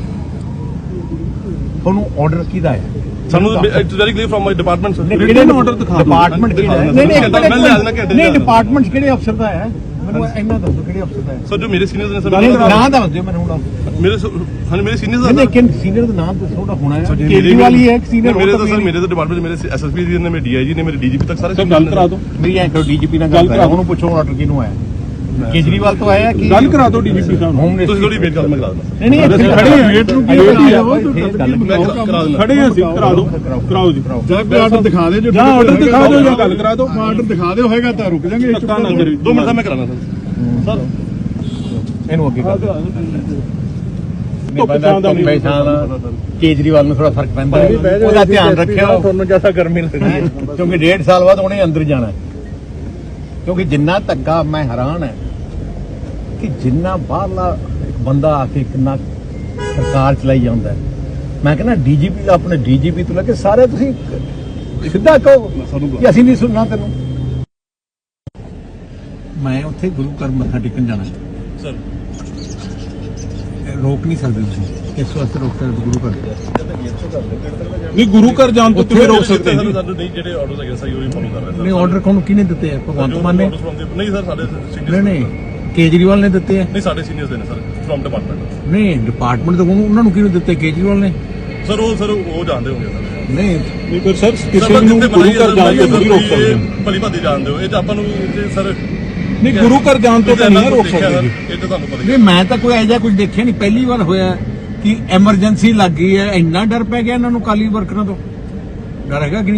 [SPEAKER 1] ਤੁਹਾਨੂੰ ਆਰਡਰ ਕਿਹਦਾ ਹੈ
[SPEAKER 2] ਸਾਨੂੰ it's very clear from my department sir
[SPEAKER 3] ਕਿਹੜੇ ਨੂੰ order ਦਿਖਾ ਦਿਓ।
[SPEAKER 1] ਡਿਪਾਰਟਮੈਂਟ ਕਿਹੜਾ ਹੈ
[SPEAKER 2] ਨਹੀਂ, ਨਹੀਂ, ਮੈਂ ਲਿਆ ਦੇਣਾ ਘੰਟੇ
[SPEAKER 1] ਨਹੀਂ
[SPEAKER 2] ਚ।
[SPEAKER 1] ਡਿਪਾਰਟਮੈਂਟ ਕਿਹੜੇ ਅਫਸਰ ਦਾ ਹੈ ਮੈਨੂੰ ਇੰਨਾ ਦੱਸੋ ਕਿਹੜੇ ਅਫਸਰ ਦਾ ਹੈ
[SPEAKER 2] ਸਰ ਜੋ ਮੇਰੇ ਸੀਨੀਅਰਸ ਨੇ ਸਰ
[SPEAKER 1] ਨਹੀਂ ਨਾਂ ਦੱਸ ਦਿਓ ਮੈਨੂੰ ਹੁਣ
[SPEAKER 2] ਮੇਰੇ ਮੇਰੇ ਸੀਨੀਅਰਸ
[SPEAKER 1] ਨਹੀਂ ਕਿਨ ਸੀਨੀਅਰ ਦਾ ਨਾਮ ਦੱਸੋ ਉਹਦਾ ਹੋਣਾ ਹੈ
[SPEAKER 2] ਮੇਰੇ
[SPEAKER 1] ਕੇਜਰੀਵਾਲ ਹੀ ਹੈ ਇੱਕ senior
[SPEAKER 2] ਮੇਰੇ
[SPEAKER 1] ਹੋਰ
[SPEAKER 2] ਤਾਂ
[SPEAKER 1] ਤਾਂ
[SPEAKER 2] ਸਰ ਮੇਰੇ ਤਾਂ ਡਿਪਾਰਟਮੈਂਟ ਮੇਰੇ ਐਸਐਸਪੀ ਜੀ ਨੇ ਮੇਰੇ ਡੀਆਈਜੀ ਨੇ ਮੇਰੇ ਡੀਜੀਪੀ ਤੱਕ ਸਾਰੇ
[SPEAKER 3] ਸਰ ਗੱਲ ਕਰਾ ਦਿਓ
[SPEAKER 1] ਮੇਰੀ ਐਂ ਕਰੋ ਡੀਜੀਪੀ ਨਾਲ ਗੱਲ ਕਰਾ ਉਹਨੂੰ ਪੁੱਛੋ ਆਰਡਰ ਕਿਹਨੂੰ ਆਇਆ ਕੇਜਰੀਵਾਲ ਤੋਂ ਆਇਆ ਕਿ
[SPEAKER 3] ਗੱਲ ਕਰਾ ਦਿਓ ਡੀਜੀਪੀ ਸਾਹਿਬ ਨੂੰ
[SPEAKER 1] ਹੋਮ
[SPEAKER 2] ਤੁਸੀਂ ਥੋੜੀ ਵੇਟ ਕਰੋ ਮੈਂ ਕਰਾ ਦਿੰਦਾ
[SPEAKER 1] ਨਹੀਂ ਨਹੀਂ ਇੱਥੇ
[SPEAKER 3] ਖੜੇ ਹਾਂ, ਵੇਟ ਨੂੰ ਕੀ
[SPEAKER 1] ਵੇਟ ਹੀ
[SPEAKER 3] ਕਰਾਓ,
[SPEAKER 1] ਹੈ।
[SPEAKER 2] ਕਰਾ ਦਿੰਦਾ
[SPEAKER 3] ਖੜੇ ਹਾਂ ਅਸੀਂ ਕਰਾ ਦਿਓ ਕਰਾਓ ਜੀ
[SPEAKER 5] ਜਾਂ ਕੋਈ ਆਰਡਰ ਦਿਖਾ ਦੇ ਜੋ
[SPEAKER 3] ਜਾਂ ਆਰਡਰ ਦਿਖਾ ਦਿਓ ਜਾਂ ਗੱਲ ਕਰਾ ਦਿਓ
[SPEAKER 5] ਆਰਡਰ ਦਿਖਾ ਦਿਓ ਹੋਏਗਾ ਤਾਂ ਰੁਕ ਜਾਾਂਗੇ
[SPEAKER 3] ਧੱਕਾ ਨਾ ਕਰੀ
[SPEAKER 2] 2 ਮਿੰਟ ਦਾ ਮੈਂ ਕਰਾਣਾ ਸਰ
[SPEAKER 1] ਇਹਨੂੰ ਅੱਗੇ ਕਰ ਦਿਓ
[SPEAKER 3] ਧੁੱਪ ਛਾਂ ਦਾ ਨਹੀਂ।
[SPEAKER 1] ਕੇਜਰੀਵਾਲ ਨੂੰ ਥੋੜਾ ਫਰਕ ਪੈਂਦਾ ਹੈ। ਉਹਦਾ ਧਿਆਨ ਰੱਖਿਓ ਤੁਹਾਨੂੰ ਜਿਆਦਾ ਗਰਮੀ ਲੱਗਦੀ ਹੈ ਕਿਉਂਕਿ 1.5 ਸਾਲ ਬਾਅਦ ਉਹਨੇ ਅੰਦਰ ਜਾਣਾ ਹੈ। ਕਿਉਂਕਿ ਜਿੰਨਾ ਧੱਕਾ ਮੈਂ ਹੈਰਾਨ ਹੈ ਕਿ ਜਿੰਨਾ ਬਾਹਰਲਾ ਇੱਕ ਬੰਦਾ ਆ ਕੇ ਕਿੰਨਾ ਸਰਕਾਰ ਚਲਾਈ ਜਾਂਦਾ ਹੈ। ਮੈਂ ਕਹਿੰਦਾ ਡੀਜੀਪੀ ਦਾ ਆਪਣੇ ਡੀਜੀਪੀ ਤੋਂ ਲੈ ਕੇ ਸਾਰੇ ਤੁਸੀਂ ਸਿੱਧਾ ਕਹੋ ਕਿ ਅਸੀਂ ਨਹੀਂ ਸੁਣਨਾ ਤੈਨੂੰ ਮੈਂ ਉੱਥੇ ਗੁਰੂ ਘਰ ਮੱਥਾ ਟੇਕਣ ਜਾਣਾ
[SPEAKER 2] ਸਰ
[SPEAKER 1] ਰੋਕ ਨਹੀਂ ਸਕਦੇ ਤੁਸੀਂ ਇਸ ਵਾਸਤੇ ਰੋਕ ਸਕਦੇ ਗੁਰੂ ਘਰ
[SPEAKER 3] ਨਹੀਂ ਗੁਰੂ ਘਰ ਜਾਣ ਤੋਂ ਕਿਵੇਂ ਰੋਕ ਸਕਦੇ ਜੀ
[SPEAKER 2] ਸਾਨੂੰ ਨਹੀਂ ਜਿਹੜੇ ਆਰਡਰਸ ਹੈਗੇ ਸਹੀ ਉਹੀ ਫੋਲੋ ਕਰ ਰਹੇ
[SPEAKER 1] ਨਹੀਂ ਆਰਡਰ ਕੋਣ ਕਿਹਨੇ ਦਿੱਤੇ ਆ ਭਗਵੰਤ ਮਾਨ ਨੇ
[SPEAKER 2] ਨਹੀਂ ਸਰ ਸਾਡੇ
[SPEAKER 1] ਨਹੀਂ ਨਹੀਂ ਕੇਜਰੀਵਾਲ ਨੇ ਦਿੱਤੇ ਆ
[SPEAKER 2] ਨਹੀਂ ਸਾਡੇ ਸੀਨੀਅਰਸ ਦੇ ਨੇ ਸਰ ਫਰਮ ਡਿਪਾਰਟਮੈਂਟ
[SPEAKER 1] ਨਹੀਂ ਡਿਪਾਰਟਮੈਂਟ ਤੋਂ ਉਹਨਾਂ ਨੂੰ ਕਿਹਨੂੰ ਦਿੱਤੇ ਕੇਜਰੀਵਾਲ ਨੇ
[SPEAKER 2] ਸਰ ਉਹ ਜਾਣਦੇ ਹੋਗੇ ਸਰ
[SPEAKER 1] ਨਹੀਂ
[SPEAKER 3] ਨਹੀਂ ਪਰ ਸਰ ਕਿਸੇ ਨੂੰ ਗੁਰੂ ਘਰ ਜਾਣ ਤੋਂ ਨਹੀਂ ਰੋਕ ਸਕਦੇ
[SPEAKER 2] ਭਲੀ ਭਾਦੀ ਜਾਣਦੇ ਹੋ ਇਹ ਤਾਂ ਆਪਾਂ ਨੂੰ ਸਰ
[SPEAKER 3] ਨਹੀਂ ਗੁਰੂ ਘਰ ਜਾਣ ਤੋਂ ਤਾਂ ਨਹੀਂ ਰੋਕ ਸਕਦੇ ਜੀ
[SPEAKER 2] ਇਹ ਤਾਂ ਤੁਹਾਨੂੰ ਪਤਾ
[SPEAKER 1] ਨਹੀਂ ਮੈਂ ਤਾਂ ਕੋਈ ਐਜਾ ਕੁਝ ਦੇਖਿਆ ਨਹੀਂ ਪਹਿਲੀ ਵਾਰ ਹੋਇਆ ਕਿ ਐਮਰਜੈਂਸੀ ਲੱਗ ਗਈ ਹੈ ਇੰਨਾ ਡਰ ਪੈ ਗਿਆ ਇਹਨਾਂ ਨੂੰ ਕਾਲੀ ਵਰਕਰਾਂ ਤੋਂ ਡਰ ਹੈਗਾ ਕਿ ਨਹੀਂ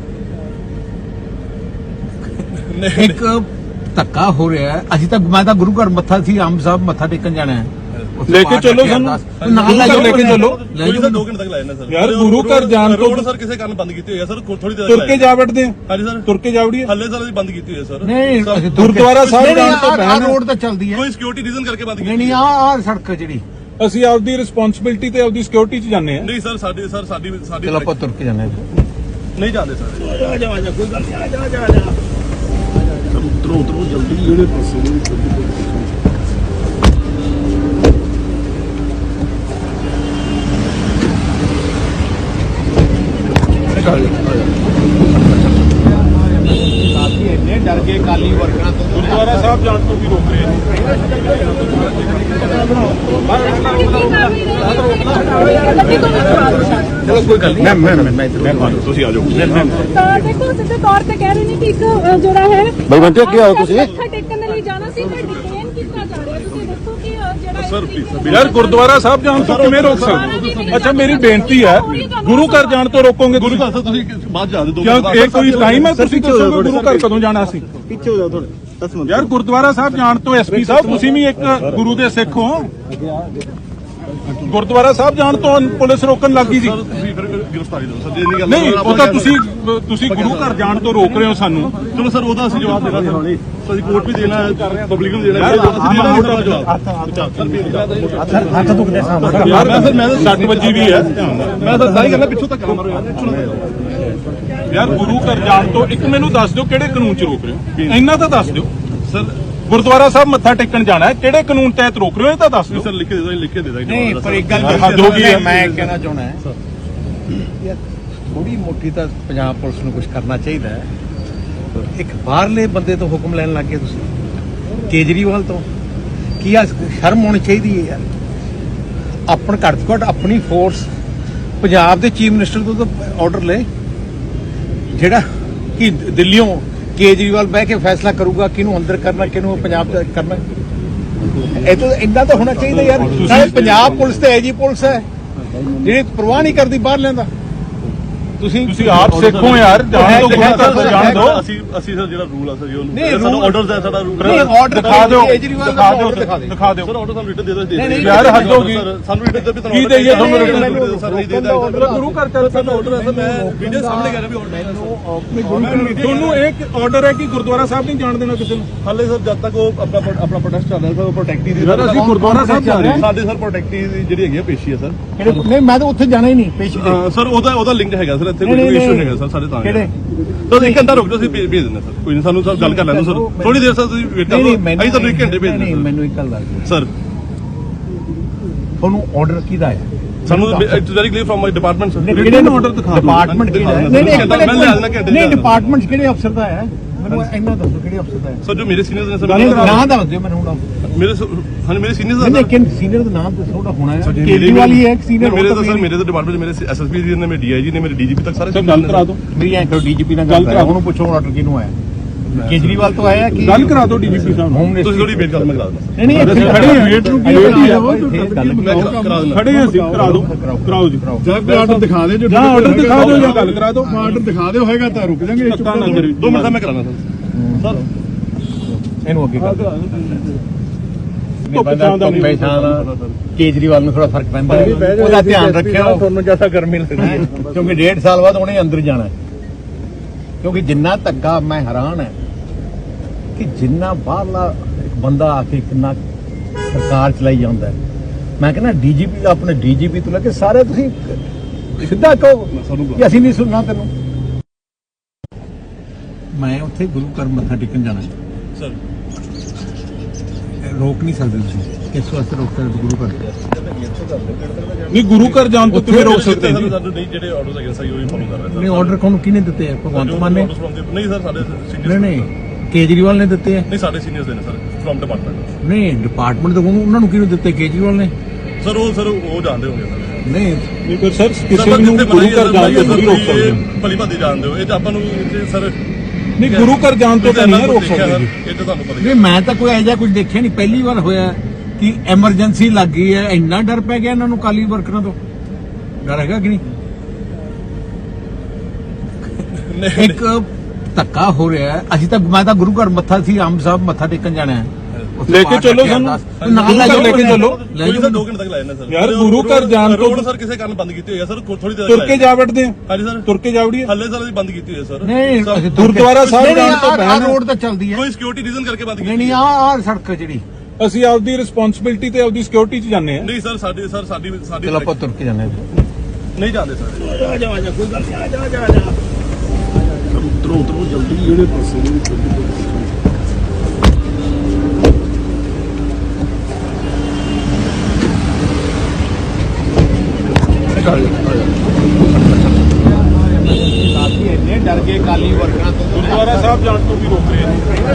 [SPEAKER 1] ਇੱਕ ਧੱਕਾ ਹੋ ਰਿਹਾ ਹੈ ਅਸੀਂ ਤਾਂ ਮੈਂ ਤਾਂ ਗੁਰੂ ਘਰ ਮੱਥਾ ਸੀ ਆਮ ਸਾਹਿਬ ਮੱਥਾ ਟੇਕਣ ਜਾਣਾ ਹੈ
[SPEAKER 3] ਲੈ ਕੇ ਚੱਲੋ ਸਾਨੂੰ
[SPEAKER 1] ਨਾਲ ਲੈ
[SPEAKER 3] ਲੈ ਕੇ ਚੱਲੋ
[SPEAKER 2] ਕੋਈ ਸਰ 2 ਘੰਟੇ ਤੱਕ ਲਾਇਆ ਨਾ ਸਰ
[SPEAKER 3] ਯਾਰ ਗੁਰੂ ਘਰ ਜਾਣ ਤੋਂ
[SPEAKER 2] ਰੋਡ ਸਰ ਕਿਸੇ ਕਾਰਨ ਬੰਦ ਕੀਤੀ ਹੋਈ ਹੈ ਸਰ ਥੋੜੀ ਦੇਰ
[SPEAKER 3] ਤੁਰ ਕੇ ਜਾ ਵੜਦੇ ਆ
[SPEAKER 2] ਹਾਂਜੀ ਸਰ
[SPEAKER 3] ਤੁਰ ਕੇ ਜਾ ਵੜੀਏ
[SPEAKER 2] ਹੱਲੇ ਸਰ ਅਸੀਂ ਬੰਦ ਕੀਤੀ ਹੋਈ ਹੈ ਸਰ
[SPEAKER 1] ਨਹੀਂ
[SPEAKER 3] ਗੁਰਦੁਆਰਾ ਸਾਹਿਬ ਜਾਣ ਤੋਂ ਪਹਿਲਾਂ
[SPEAKER 1] ਰੋਡ ਤਾਂ ਚੱਲਦੀ ਹੈ
[SPEAKER 2] ਕੋਈ ਸਿਕਿਉਰਿਟੀ ਰੀਜ਼ਨ ਕਰਕੇ ਬੰਦ
[SPEAKER 1] ਨਹੀਂ
[SPEAKER 2] ਕੀਤੀ
[SPEAKER 1] ਨਹੀਂ ਆਹ ਸੜਕ ਜਿਹੜੀ
[SPEAKER 3] ਅਸੀਂ ਆਪਦੀ ਰਿਸਪੌਂਸਿਬਿਲਟੀ ਤੇ ਆਪਦੀ ਸਿਕਿਉਰਿਟੀ 'ਚ ਜਾਂਦੇ ਆ
[SPEAKER 2] ਨਹੀਂ ਸਰ ਸਾਡੀ
[SPEAKER 1] ਚਲੋ ਆਪਾਂ ਤੁਰ ਕੇ ਜਾਂਦੇ ਹਾਂ
[SPEAKER 2] ਨਹੀਂ ਜਾਂਦੇ ਸਰ
[SPEAKER 5] ਉਤਰੋ ਜਲਦੀ ਜਿਹੜੇ ਪਾਸੇ
[SPEAKER 1] ਇੰਨੇ ਡਰ ਗਏ ਕਾਲੀ ਵਰਕਰਾਂ ਤੋਂ
[SPEAKER 3] ਗੁਰਦੁਆਰਾ ਸਾਹਿਬ ਜਾਣ ਤੋਂ ਵੀ ਰੋਕ ਰਹੇ
[SPEAKER 1] ਚਲੋ ਕੋਈ ਗੱਲ ਨਹੀਂ ਮੈਂ
[SPEAKER 2] ਤੁਸੀਂ ਆ ਜਾਓ
[SPEAKER 4] ਤਾਂ ਦੇਖੋ ਸਿੱਧੇ ਤੌਰ ਤੇ ਕਹਿ ਰਹੇ ਨੇ ਕਿ ਇੱਕ ਜਿਹੜਾ ਹੈ
[SPEAKER 5] ਬਈ ਬੰਟੇ ਅੱਗੇ ਆਓ ਤੁਸੀਂ
[SPEAKER 4] ਮੱਥਾ ਟੇਕਣ ਦੇ ਲਈ ਜਾਣਾ ਸੀ ਪਰ ਡਿਟੇਨ ਕੀਤਾ ਜਾ ਰਿਹਾ ਤੁਸੀਂ ਦੱਸੋ ਕਿ ਜਿਹੜਾ
[SPEAKER 2] ਸਰ
[SPEAKER 3] ਯਾਰ ਗੁਰਦੁਆਰਾ ਸਾਹਿਬ ਜਾਣ ਤੋਂ ਕਿਵੇਂ ਰੋਕ ਸਕਦੇ ਅੱਛਾ ਮੇਰੀ ਬੇਨਤੀ ਹੈ ਗੁਰੂ ਘਰ ਜਾਣ ਤੋਂ ਰੋਕੋਗੇ
[SPEAKER 2] ਗੁਰੂ
[SPEAKER 3] ਤੁਸੀਂ
[SPEAKER 2] ਘਰ ਸਰ ਤੁਸੀਂ ਬਾਅਦ ਜਾ ਦੇ
[SPEAKER 3] ਕਿਉਂ ਇਹ ਕੋਈ ਟਾਈਮ ਹੈ ਤੁਸੀਂ ਦੱਸੋਗੇ ਗੁਰੂ ਘਰ ਕਦੋਂ ਜਾਣਾ ਸੀ
[SPEAKER 5] ਪਿੱਛੇ ਹੋ ਜਾਓ ਥੋੜੇ 10 ਮਿੰਟ
[SPEAKER 3] ਯਾਰ ਗੁਰਦੁਆਰਾ ਸਾਹਿਬ ਜਾਣ ਤੋਂ ਐਸਪੀ ਸਾਹਿਬ ਤੁਸੀਂ ਵੀ ਇੱਕ ਗੁਰੂ ਦੇ ਸਿੱਖ ਹੋ ਗੁਰਦੁਆਰਾ ਸਾਹਿਬ ਜਾਣ ਤੋਂ ਪੁਲਿਸ ਰੋਕਣ ਲੱਗੀ ਸੀ
[SPEAKER 2] ਸਰ ਤੁਸੀਂ ਫਿਰ ਗ੍ਰਿਫਤਾਰੀ ਦਿਓ ਸਰ ਜੇ ਨਹੀਂ ਗੱਲ
[SPEAKER 3] ਨਹੀਂ ਉਹ ਤਾਂ ਤੁਸੀਂ ਗੁਰੂ ਘਰ ਜਾਣ ਤੋਂ ਰੋਕ ਰਹੇ ਹੋ ਸਾਨੂੰ
[SPEAKER 2] ਚਲੋ ਸਰ ਉਹਦਾ ਅਸੀਂ ਜਵਾਬ ਦੇਣਾ ਸਰ ਅਸੀਂ ਕੋਰਟ ਵੀ ਦੇਣਾ ਹੈ ਪਬਲਿਕ ਨੂੰ ਦੇਣਾ ਹੈ ਅਸੀਂ ਦੇਣਾ ਮੋਟਾ ਜਵਾਬ
[SPEAKER 1] ਹੱਥ ਦੁਖਦੇ ਸਾਹਮਣੇ
[SPEAKER 3] ਯਾਰ ਮੈਂ 60 ਵਜੇ ਵੀ ਹੈ
[SPEAKER 2] ਮੈਂ ਤਾਂ ਸਾਰੀ ਗੱਲਾਂ ਪਿੱਛੋਂ ਤੱਕ ਮਾਰੋ
[SPEAKER 3] ਯਾਰ ਗੁਰੂ ਘਰ ਜਾਣ ਤੋਂ ਇੱਕ ਮੈਨੂੰ ਦੱਸ ਦਿਓ ਕਿਹੜੇ ਕਾਨੂੰਨ 'ਚ ਰੋਕ ਰਹੇ ਹੋ ਇੰਨਾ ਤਾਂ ਦੱਸ ਦਿਓ
[SPEAKER 2] ਸਰ
[SPEAKER 3] ਗੁਰਦੁਆਰਾ ਸਾਹਿਬ ਮੱਥਾ ਟੇਕਣ ਜਾਣਾ ਹੈ ਕਿਹੜੇ ਕਾਨੂੰਨ ਤਹਿਤ ਰੋਕ ਰਹੇ ਹੋ ਇਹ ਤਾਂ ਦੱਸ ਦਿਓ
[SPEAKER 2] ਸਰ ਲਿਖ ਕੇ ਦੇ ਦੋ ਲਿਖ ਕੇ ਦੇ ਦਾਂਗੇ
[SPEAKER 1] ਨਹੀਂ ਪਰ ਇੱਕ ਗੱਲ
[SPEAKER 3] ਹੱਦ ਹੋ ਗਈ ਹੈ।
[SPEAKER 1] ਮੈਂ ਕਹਿਣਾ ਚਾਹੁੰਦਾ ਯਾਰ ਥੋੜੀ ਮੋਟੀ ਤਾਂ ਪੰਜਾਬ ਪੁਲਿਸ ਨੂੰ ਕੁਝ ਕਰਨਾ ਚਾਹੀਦਾ ਹੈ ਇੱਕ ਬਾਹਰਲੇ ਬੰਦੇ ਤੋਂ ਹੁਕਮ ਲੈਣ ਲੱਗ ਗਏ ਤੁਸੀਂ ਕੇਜਰੀਵਾਲ ਤੋਂ ਕੀ ਆ ਸ਼ਰਮ ਹੋਣੀ ਚਾਹੀਦੀ ਹੈ ਯਾਰ ਆਪਣ ਘੱਟ ਤੋਂ ਘੱਟ ਆਪਣੀ ਫੋਰਸ ਪੰਜਾਬ ਦੇ ਚੀਫ ਮਿਨਿਸਟਰ ਤੋਂ ਤਾਂ ਆਰਡਰ ਲੈ ਜਿਹੜਾ ਕਿ ਦਿੱਲੀੋਂ ਕੇਜਰੀਵਾਲ ਬਹਿ ਕੇ ਫੈਸਲਾ ਕਰੂਗਾ ਕਿਹਨੂੰ ਅੰਦਰ ਕਰਨਾ ਕਿਹਨੂੰ ਪੰਜਾਬ ਦਾ ਕਰਨਾ ਇਹ ਤਾਂ ਇੰਨਾ ਤਾਂ ਹੋਣਾ ਚਾਹੀਦਾ ਯਾਰ ਨਾਲੇ ਪੰਜਾਬ ਪੁਲਿਸ ਤੇ ਐਜੀ ਪੁਲਿਸ ਹੈ ਜਿਹੜੀ ਪਰਵਾਹ ਨਹੀਂ ਕਰਦੀ ਬਾਹਰ ਲੈਂਦਾ ਤੁਸੀਂ
[SPEAKER 3] ਆਪ ਸਿੱਖੋ ਯਾਰ ਜਾਣ ਤੋਂ ਗੁਰੂ ਘਰ ਤੋਂ ਜਾਣ ਦਿਓ
[SPEAKER 2] ਅਸੀਂ ਸਰ ਜਿਹੜਾ ਰੂਲ ਆ ਸਰ ਉਹ
[SPEAKER 1] ਨਹੀਂ,
[SPEAKER 2] ਸਾਡਾ
[SPEAKER 1] rule-
[SPEAKER 2] ਆਰਡਰਸ ਹੈ ਸਾਡਾ ਰੂਲ
[SPEAKER 1] ਨਹੀਂ, order
[SPEAKER 3] ਦਿਖਾ ਦਿਓ
[SPEAKER 1] ਕੇਜਰੀਵਾਲ ਦਾ
[SPEAKER 3] ਦਿਖਾ ਦਿਓ
[SPEAKER 1] order ਦਿਖਾ ਦਿਓ।
[SPEAKER 3] ਦਿਖਾ ਦਿਓ
[SPEAKER 2] ਸਰ ਆਰਡਰ ਸਾਨੂੰ ਰਿਟਨ ਦੇ ਦੋ
[SPEAKER 1] ਨਹੀਂ, ਨਹੀਂ,
[SPEAKER 3] ਯਾਰ ਹੱਦ ਹੋ ਗਈ
[SPEAKER 2] ਸਾਨੂੰ ਰਿਟਨ ਦੇ ਵੀ
[SPEAKER 3] ਕੀ ਦੇਈਏ ਤੁਹਾਨੂੰ
[SPEAKER 1] ਨਹੀਂ,
[SPEAKER 3] ਰਿਟਨ
[SPEAKER 1] ਮੈਨੂੰ
[SPEAKER 2] ਸਰ ਨਹੀਂ ਦੇਦਾ
[SPEAKER 3] ਗੁਰੂ ਘਰ ਚੱਲ
[SPEAKER 2] ਸਾਡਾ ਆਰਡਰ ਹੈ ਸਰ ਮੈਂ ਵੀਡੀਓ ਸਾਹਮਣੇ ਕਰ ਰਿਹਾ ਵੀ ਆਰਡਰ ਹੈ
[SPEAKER 3] ਤੁਹਾਨੂੰ ਇੱਕ ਆਰਡਰ ਹੈ ਕਿ ਗੁਰਦੁਆਰਾ ਸਾਹਿਬ ਨਹੀਂ ਜਾਣ ਦੇਣਾ ਕਿਸੇ ਨੂੰ
[SPEAKER 2] ਹਾਲੇ ਸਰ ਜਦ ਤੱਕ ਉਹ ਆਪਣਾ ਪ੍ਰੋਟੈਸਟ ਚੱਲ ਰਿਹਾ ਸਰ ਉਹ ਪ੍ਰੋਟੈਕਟੀ ਦੀ
[SPEAKER 3] ਯਾਰ ਅਸੀਂ ਗੁਰਦੁਆਰਾ ਸਾਹਿਬ ਜਾ ਰਹੇ ਹਾਂ
[SPEAKER 2] ਸਾਡੇ ਸਰ ਪ੍ਰੋਟੈਕਟੀ ਦੀ ਜਿਹੜੀ ਹੈਗੀ ਆ ਪੇਸ਼ੀ ਹੈ ਸਰ
[SPEAKER 1] ਨਹੀਂ ਮੈਂ ਤਾਂ ਉੱਥੇ ਜਾਣਾ ਹੀ ਨਹੀਂ ਪੇਸ਼ੀ ਤੇ
[SPEAKER 2] ਸਰ ਉਹਦਾ ਲਿੰਕ ਹੈਗਾ ਸਰ ਇੱਥੇ
[SPEAKER 1] ਨਹੀਂ,
[SPEAKER 2] ਕੋਈ
[SPEAKER 1] ਨਹੀਂ,
[SPEAKER 2] ਇਸ਼ੂ
[SPEAKER 1] ਨਹੀਂ।
[SPEAKER 2] ਹੈਗਾ ਸਰ ਸਾਡੇ ਤਾਂ
[SPEAKER 1] ਕਿਹੜੇ
[SPEAKER 2] ਸਰ ਇੱਕ ਘੰਟਾ ਰੁਕ ਜਾਓ ਅਸੀਂ ਭੇਜ ਦਿੰਦੇ ਸਰ ਕੋਈ ਨਹੀਂ ਸਾਨੂੰ ਸਰ ਗੱਲ ਕਰ ਲੈਣ ਦਿਓ ਸਰ ਥੋੜੀ ਦੇਰ ਸਰ ਤੁਸੀਂ ਵੇਟ ਕਰੋ ਅਸੀਂ ਤੁਹਾਨੂੰ 1 ਘੰਟੇ ਭੇਜ
[SPEAKER 1] ਨਹੀਂ
[SPEAKER 2] ਦਿੰਦੇ
[SPEAKER 1] ਮੈਨੂੰ ਇੱਕ ਗੱਲ ਦੱਸ ਦਿਓ
[SPEAKER 2] ਸਰ
[SPEAKER 1] ਤੁਹਾਨੂੰ ਆਰਡਰ ਕਿਹਦਾ ਹੈ
[SPEAKER 2] ਸਾਨੂੰ it's very clear from my department sir
[SPEAKER 3] ਕਿਹੜੇ ਨੂੰ order ਦਿਖਾ ਦਿਓ।
[SPEAKER 1] ਡਿਪਾਰਟਮੈਂਟ ਕਿਹੜਾ ਹੈ
[SPEAKER 2] ਨਹੀਂ, ਮੈਂ ਲਿਆ ਦੇਣਾ ਘੰਟੇ
[SPEAKER 1] ਨਹੀਂ ਡਿਪਾਰਟਮੈਂਟ ਕਿਹੜੇ ਅਫਸਰ ਦਾ ਹੈ ਮੈਨੂੰ ਇੰਨਾ ਦੱਸੋ ਕਿਹੜੇ ਅਫਸਰ ਦਾ ਹੈ
[SPEAKER 2] ਸਰ ਜੋ ਮੇਰੇ ਸੀਨੀਅਰਸ ਨੇ ਸਰ
[SPEAKER 1] ਨਾਂ ਦੱਸ ਦਿਓ ਮੈਨੂੰ ਹੁਣ
[SPEAKER 2] ਮੇਰੇ ਮੇਰੇ ਸੀਨੀਅਰਸ
[SPEAKER 1] ਨਹੀਂ ਲੇਕਿਨ ਸੀਨੀਅਰ ਦਾ ਨਾਮ ਦੱਸੋ ਉਹਦਾ ਹੋਣਾ ਹੈ ਕੇਜਰੀਵਾਲ ਹੀ ਹੈ ਇੱਕ senior
[SPEAKER 2] ਮੇਰੇ
[SPEAKER 1] ਹੋਰ
[SPEAKER 2] ਤਾਂ
[SPEAKER 1] ਤਾਂ
[SPEAKER 2] ਸਰ ਮੇਰੇ ਤਾਂ ਡਿਪਾਰਟਮੈਂਟ ਮੇਰੇ ਐਸਐਸਪੀ ਜੀ ਨੇ ਮੇਰੇ ਡੀਆਈਜੀ ਨੇ ਮੇਰੇ ਡੀਜੀਪੀ ਤੱਕ ਸਾਰੇ
[SPEAKER 3] ਸਰ ਗੱਲ ਕਰਾ ਦਿਓ
[SPEAKER 1] ਮੇਰੀ ਐਂ ਕਰੋ ਡੀਜੀਪੀ ਨਾਲ ਗੱਲ ਕਰਾ ਉਹਨੂੰ ਪੁੱਛੋ ਆਰਡਰ ਕਿਹਨੂੰ ਆਇਆ ਕੇਜਰੀਵਾਲ ਤੋਂ ਆਇਆ ਕਿ
[SPEAKER 3] ਗੱਲ ਕਰਾ ਦਿਓ ਡੀਜੀਪੀ ਸਾਹਿਬ
[SPEAKER 1] ਹੋਮ
[SPEAKER 2] ਤੁਸੀਂ ਥੋੜੀ ਵੇਟ ਕਰੋ ਮੈਂ ਕਰਾ ਦਿੰਦਾ
[SPEAKER 1] ਨਹੀਂ ਨਹੀਂ ਇੱਥੇ
[SPEAKER 3] ਖੜੇ ਹਾਂ, ਵੇਟ ਨੂੰ ਕੀ
[SPEAKER 1] ਵੇਟ ਹੀ
[SPEAKER 3] ਕਰਾਓ,
[SPEAKER 2] ਮੈਂ ਕਰਾ ਦਿੰਦਾ
[SPEAKER 3] ਖੜੇ ਹਾਂ ਅਸੀਂ ਕਰਾ ਦਿਓ ਕਰਾਓ ਜੀ
[SPEAKER 5] ਜਾਂ ਕੋਈ ਆਰਡਰ ਦਿਖਾ ਦੇ ਜੋ
[SPEAKER 3] ਜਾਂ ਆਰਡਰ ਦਿਖਾ ਦਿਓ ਜਾਂ ਗੱਲ ਕਰਾ ਦਿਓ
[SPEAKER 5] ਆਰਡਰ ਦਿਖਾ ਦਿਓ ਹੋਏਗਾ ਤਾਂ ਰੁਕ ਜਾਾਂਗੇ
[SPEAKER 3] ਧੱਕਾ ਨਾ ਕਰੀ
[SPEAKER 2] 2 ਮਿੰਟ ਦਾ ਮੈਂ ਕਰਾਣਾ ਸਰ
[SPEAKER 1] ਇਹਨੂੰ ਅੱਗੇ ਕਰ
[SPEAKER 3] ਧੁੱਪ ਛਾਂ ਦਾ ਨਹੀਂ।
[SPEAKER 1] ਕੇਜਰੀਵਾਲ ਨੂੰ ਥੋੜਾ ਫਰਕ ਪੈਂਦਾ ਉਹਦਾ ਧਿਆਨ ਰੱਖਿਓ ਤੁਹਾਨੂੰ ਜਿਆਦਾ ਗਰਮੀ ਲੱਗਦੀ ਹੈ ਕਿਉਂਕਿ 1.5 ਸਾਲ ਬਾਅਦ ਉਹਨੇ ਅੰਦਰ ਜਾਣਾ ਹੈ ਕਿਉਂਕਿ ਜਿੰਨਾ ਧੱਕਾ ਮੈਂ ਹੈਰਾਨ ਹੈ ਕਿ ਜਿੰਨਾ ਬਾਹਰਲਾ ਇੱਕ ਬੰਦਾ ਆ ਕੇ ਕਿੰਨਾ ਸਰਕਾਰ ਚਲਾਈ ਜਾਂਦਾ ਹੈ ਮੈਂ ਕਹਿੰਦਾ ਡੀਜੀਪੀ ਦਾ ਆਪਣੇ ਡੀਜੀਪੀ ਤੋਂ ਲੈ ਕੇ ਸਾਰੇ ਤੁਸੀਂ ਸਿੱਧਾ ਕਹੋ ਕਿ ਅਸੀਂ ਨਹੀਂ ਸੁਣਨਾ ਤੈਨੂੰ ਮੈਂ ਉੱਥੇ ਗੁਰੂ ਘਰ ਮੱਥਾ ਟੇਕਣ ਜਾਣਾ
[SPEAKER 2] ਸਰ
[SPEAKER 1] ਰੋਕ ਨਹੀਂ ਸਕਦੇ ਤੁਸੀਂ ਕਿਸ ਵਾਸਤੇ ਰੋਕ ਸਕਦੇ ਗੁਰੂ ਘਰ
[SPEAKER 3] ਨਹੀਂ ਗੁਰੂ ਘਰ ਜਾਣ ਤੋਂ ਕਿਵੇਂ ਰੋਕ ਸਕਦੇ ਜੀ?
[SPEAKER 2] ਸਾਨੂੰ ਨਹੀਂ ਜਿਹੜੇ ਆਰਡਰਸ ਹੈਗੇ ਸਹੀ ਉਹੀ ਫੋਲੋ ਕਰ ਰਹੇ
[SPEAKER 1] ਨਹੀਂ ਆਰਡਰ ਕੋਣ ਕਿਹਨੇ ਦਿੱਤੇ ਆ? ਭਗਵੰਤ ਮਾਨ ਨੇ?
[SPEAKER 2] ਨਹੀਂ ਸਰ ਸਾਡੇ
[SPEAKER 1] ਨਹੀਂ ਨਹੀਂ ਕੇਜਰੀਵਾਲ ਨੇ ਦਿੱਤੇ ਆ?
[SPEAKER 2] ਨਹੀਂ ਸਾਡੇ ਸੀਨੀਅਰਸ ਦੇ ਨੇ ਸਰ ਫਰਮ ਡਿਪਾਰਟਮੈਂਟ
[SPEAKER 1] ਨਹੀਂ ਡਿਪਾਰਟਮੈਂਟ ਤੋਂ ਉਹਨਾਂ ਨੂੰ ਕਿਹਨੂੰ ਦਿੱਤੇ? ਕੇਜਰੀਵਾਲ ਨੇ?
[SPEAKER 2] ਸਰ ਉਹ ਜਾਣਦੇ ਹੋਗੇ ਸਰ
[SPEAKER 1] ਨਹੀਂ
[SPEAKER 3] ਨਹੀਂ ਪਰ ਸਰ ਕਿਸੇ ਨੂੰ ਗੁਰੂ ਘਰ ਜਾਣ ਤੋਂ ਨਹੀਂ ਰੋਕ ਸਕਦੇ।
[SPEAKER 2] ਭਲੀ ਭਾਦੀ ਜਾਣਦੇ ਹੋ ਇਹ ਤਾਂ ਆਪਾਂ ਨੂੰ ਸਰ
[SPEAKER 3] ਨਹੀਂ ਗੁਰੂ ਘਰ ਜਾਣ ਤੋਂ ਤਾਂ ਨਹੀਂ ਰੋਕ ਸਕਦੇ ਜੀ।
[SPEAKER 2] ਇਹ ਤਾਂ ਤੁਹਾਨੂੰ ਪਤਾ ਹੀ
[SPEAKER 1] ਨਹੀਂ ਮੈਂ ਤਾਂ ਕੋਈ ਇਹੋ ਜਿਹਾ ਕੁਝ ਦੇਖਿਆ ਨਹੀਂ, ਪਹਿਲੀ ਵਾਰ ਹੋਇਆ ਕਿ ਐਮਰਜੈਂਸੀ ਲੱਗ ਗਈ ਹੈ। ਇੰਨਾ ਡਰ ਪੈ ਗਿਆ ਇਹਨਾਂ ਨੂੰ ਕਾਲੀ ਵਰਕਰਾਂ ਤੋਂ। ਡਰ ਹੈਗਾ ਕਿ ਨਹੀਂ? ਇੱਕ ਧੱਕਾ ਹੋ ਰਿਹਾ ਹੈ। ਅਸੀਂ ਤਾਂ ਮੈਂ ਤਾਂ ਗੁਰੂ ਘਰ ਮੱਥਾ ਸੀ ਆਮ ਸਾਹਿਬ ਮੱਥਾ ਟੇਕਣ ਜਾਣਾ ਹੈ।
[SPEAKER 3] ਲੈ ਕੇ ਚੱਲੋ ਸਾਨੂੰ
[SPEAKER 1] ਨਾਲ ਲੈ
[SPEAKER 3] ਲੈ ਕੇ ਚੱਲੋ।
[SPEAKER 1] ਲੈ
[SPEAKER 2] ਕੋਈ
[SPEAKER 1] ਜਾਓ।
[SPEAKER 2] ਸਰ 2 ਘੰਟੇ ਤੱਕ ਲਾਇਆ ਨਾ ਸਰ
[SPEAKER 3] ਯਾਰ ਗੁਰੂ ਘਰ ਜਾਣ ਤੋਂ
[SPEAKER 2] ਰੋਡ ਸਰ ਕਿਸੇ ਕਾਰਨ ਬੰਦ ਕੀਤੀ ਹੋਈ ਹੈ ਸਰ ਥੋੜੀ ਦੇਰ
[SPEAKER 3] ਤੁਰ ਕੇ ਜਾ ਵੜਦੇ ਆ।
[SPEAKER 2] ਹਾਂਜੀ ਸਰ
[SPEAKER 3] ਤੁਰ ਕੇ ਜਾ ਵੜੀਏ।
[SPEAKER 2] ਹੱਲੇ ਸਰ ਅਸੀਂ ਬੰਦ ਕੀਤੀ ਹੋਈ ਹੈ ਸਰ
[SPEAKER 1] ਨਹੀਂ
[SPEAKER 2] ਸਰ,
[SPEAKER 1] ਅਸੀਂ
[SPEAKER 3] ਗੁਰਦੁਆਰਾ ਸਾਹਿਬ ਜਾਣ ਤੋਂ
[SPEAKER 1] ਆਹ ਰੋਡ ਤਾਂ ਚੱਲਦੀ ਹੈ।
[SPEAKER 2] ਕੋਈ ਸਿਕਿਉਰਿਟੀ ਰੀਜ਼ਨ ਕਰਕੇ ਬੰਦ
[SPEAKER 1] ਨਹੀਂ
[SPEAKER 2] ਕੀਤੀ
[SPEAKER 1] ਨਹੀਂ ਆਹ ਸੜਕ ਜਿਹੜੀ।
[SPEAKER 3] ਅਸੀਂ ਆਪਦੀ ਰਿਸਪੌਂਸਿਬਿਲਟੀ ਤੇ ਆਪਦੀ ਸਿਕਿਉਰਿਟੀ 'ਚ ਜਾਂਦੇ ਆ।
[SPEAKER 2] ਨਹੀਂ ਸਰ ਸਾਡੀ
[SPEAKER 1] ਚਲੋ ਆਪਾਂ ਤੁਰ ਕੇ ਜਾਂਦੇ ਹਾਂ।
[SPEAKER 2] ਨਹੀਂ ਜਾਂਦੇ ਸਰ
[SPEAKER 5] ਉਤਰੋ ਜਲਦੀ ਜਿਹੜੇ ਪਾਸੇ
[SPEAKER 1] ਇੰਨੇ ਡਰ ਗਏ ਕਾਲੀ ਵਰਕਰਾਂ ਤੋਂ।
[SPEAKER 3] ਗੁਰਦੁਆਰਾ ਸਾਹਿਬ ਜਾਣ ਤੋਂ ਵੀ ਰੋਕ ਰਹੇ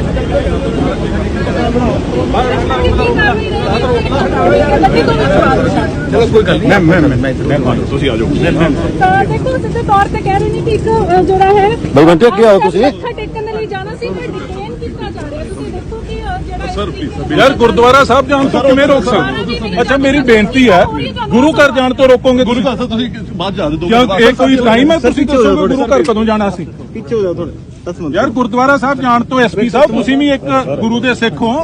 [SPEAKER 1] ਚਲੋ ਕੋਈ ਗੱਲ ਨਹੀਂ ਮੈਂ
[SPEAKER 2] ਤੁਸੀਂ ਆ ਜਾਓ
[SPEAKER 4] ਤਾਂ ਦੇਖੋ ਸਿੱਧੇ ਤੌਰ ਤੇ ਕਹਿ ਰਹੇ ਨੇ ਕਿ ਇੱਕ ਜਿਹੜਾ ਹੈ
[SPEAKER 5] ਬਲਵੰਤ ਅੱਗੇ ਆਓ ਤੁਸੀਂ।
[SPEAKER 4] ਮੱਥਾ ਟੇਕਣ ਦੇ ਲਈ ਜਾਣਾ ਸੀ ਪਰ ਡਿਟੇਨ ਕੀਤਾ ਜਾ ਰਿਹਾ। ਤੁਸੀਂ ਦੇਖੋ ਕਿ ਜਿਹੜਾ
[SPEAKER 2] ਸਰ
[SPEAKER 3] ਯਾਰ ਗੁਰਦੁਆਰਾ ਸਾਹਿਬ ਜਾਣ ਤੋਂ ਕਿਵੇਂ ਰੋਕ ਸਕਦੇ? ਅੱਛਾ ਮੇਰੀ ਬੇਨਤੀ ਹੈ ਗੁਰੂ ਘਰ ਜਾਣ ਤੋਂ ਰੋਕੋਗੇ
[SPEAKER 2] ਗੁਰੂ
[SPEAKER 3] ਤੁਸੀਂ?
[SPEAKER 2] ਘਰ ਸਰ ਤੁਸੀਂ ਬਾਅਦ ਜਾ ਦਿਓ
[SPEAKER 3] ਕਿਉਂ ਇਹ ਕੋਈ ਟਾਈਮ ਹੈ? ਤੁਸੀਂ ਦੱਸੋਗੇ ਗੁਰੂ ਘਰ ਕਦੋਂ ਜਾਣਾ ਸੀ?
[SPEAKER 5] ਪਿੱਛੇ ਹੋ ਜਾਓ ਥੋੜੇ 10 ਮਿੰਟ
[SPEAKER 3] ਯਾਰ ਗੁਰਦੁਆਰਾ ਸਾਹਿਬ ਜਾਣ ਤੋਂ ਐਸਪੀ ਸਾਹਿਬ ਤੁਸੀਂ ਵੀ ਇੱਕ ਗੁਰੂ ਦੇ ਸਿੱਖ ਹੋ।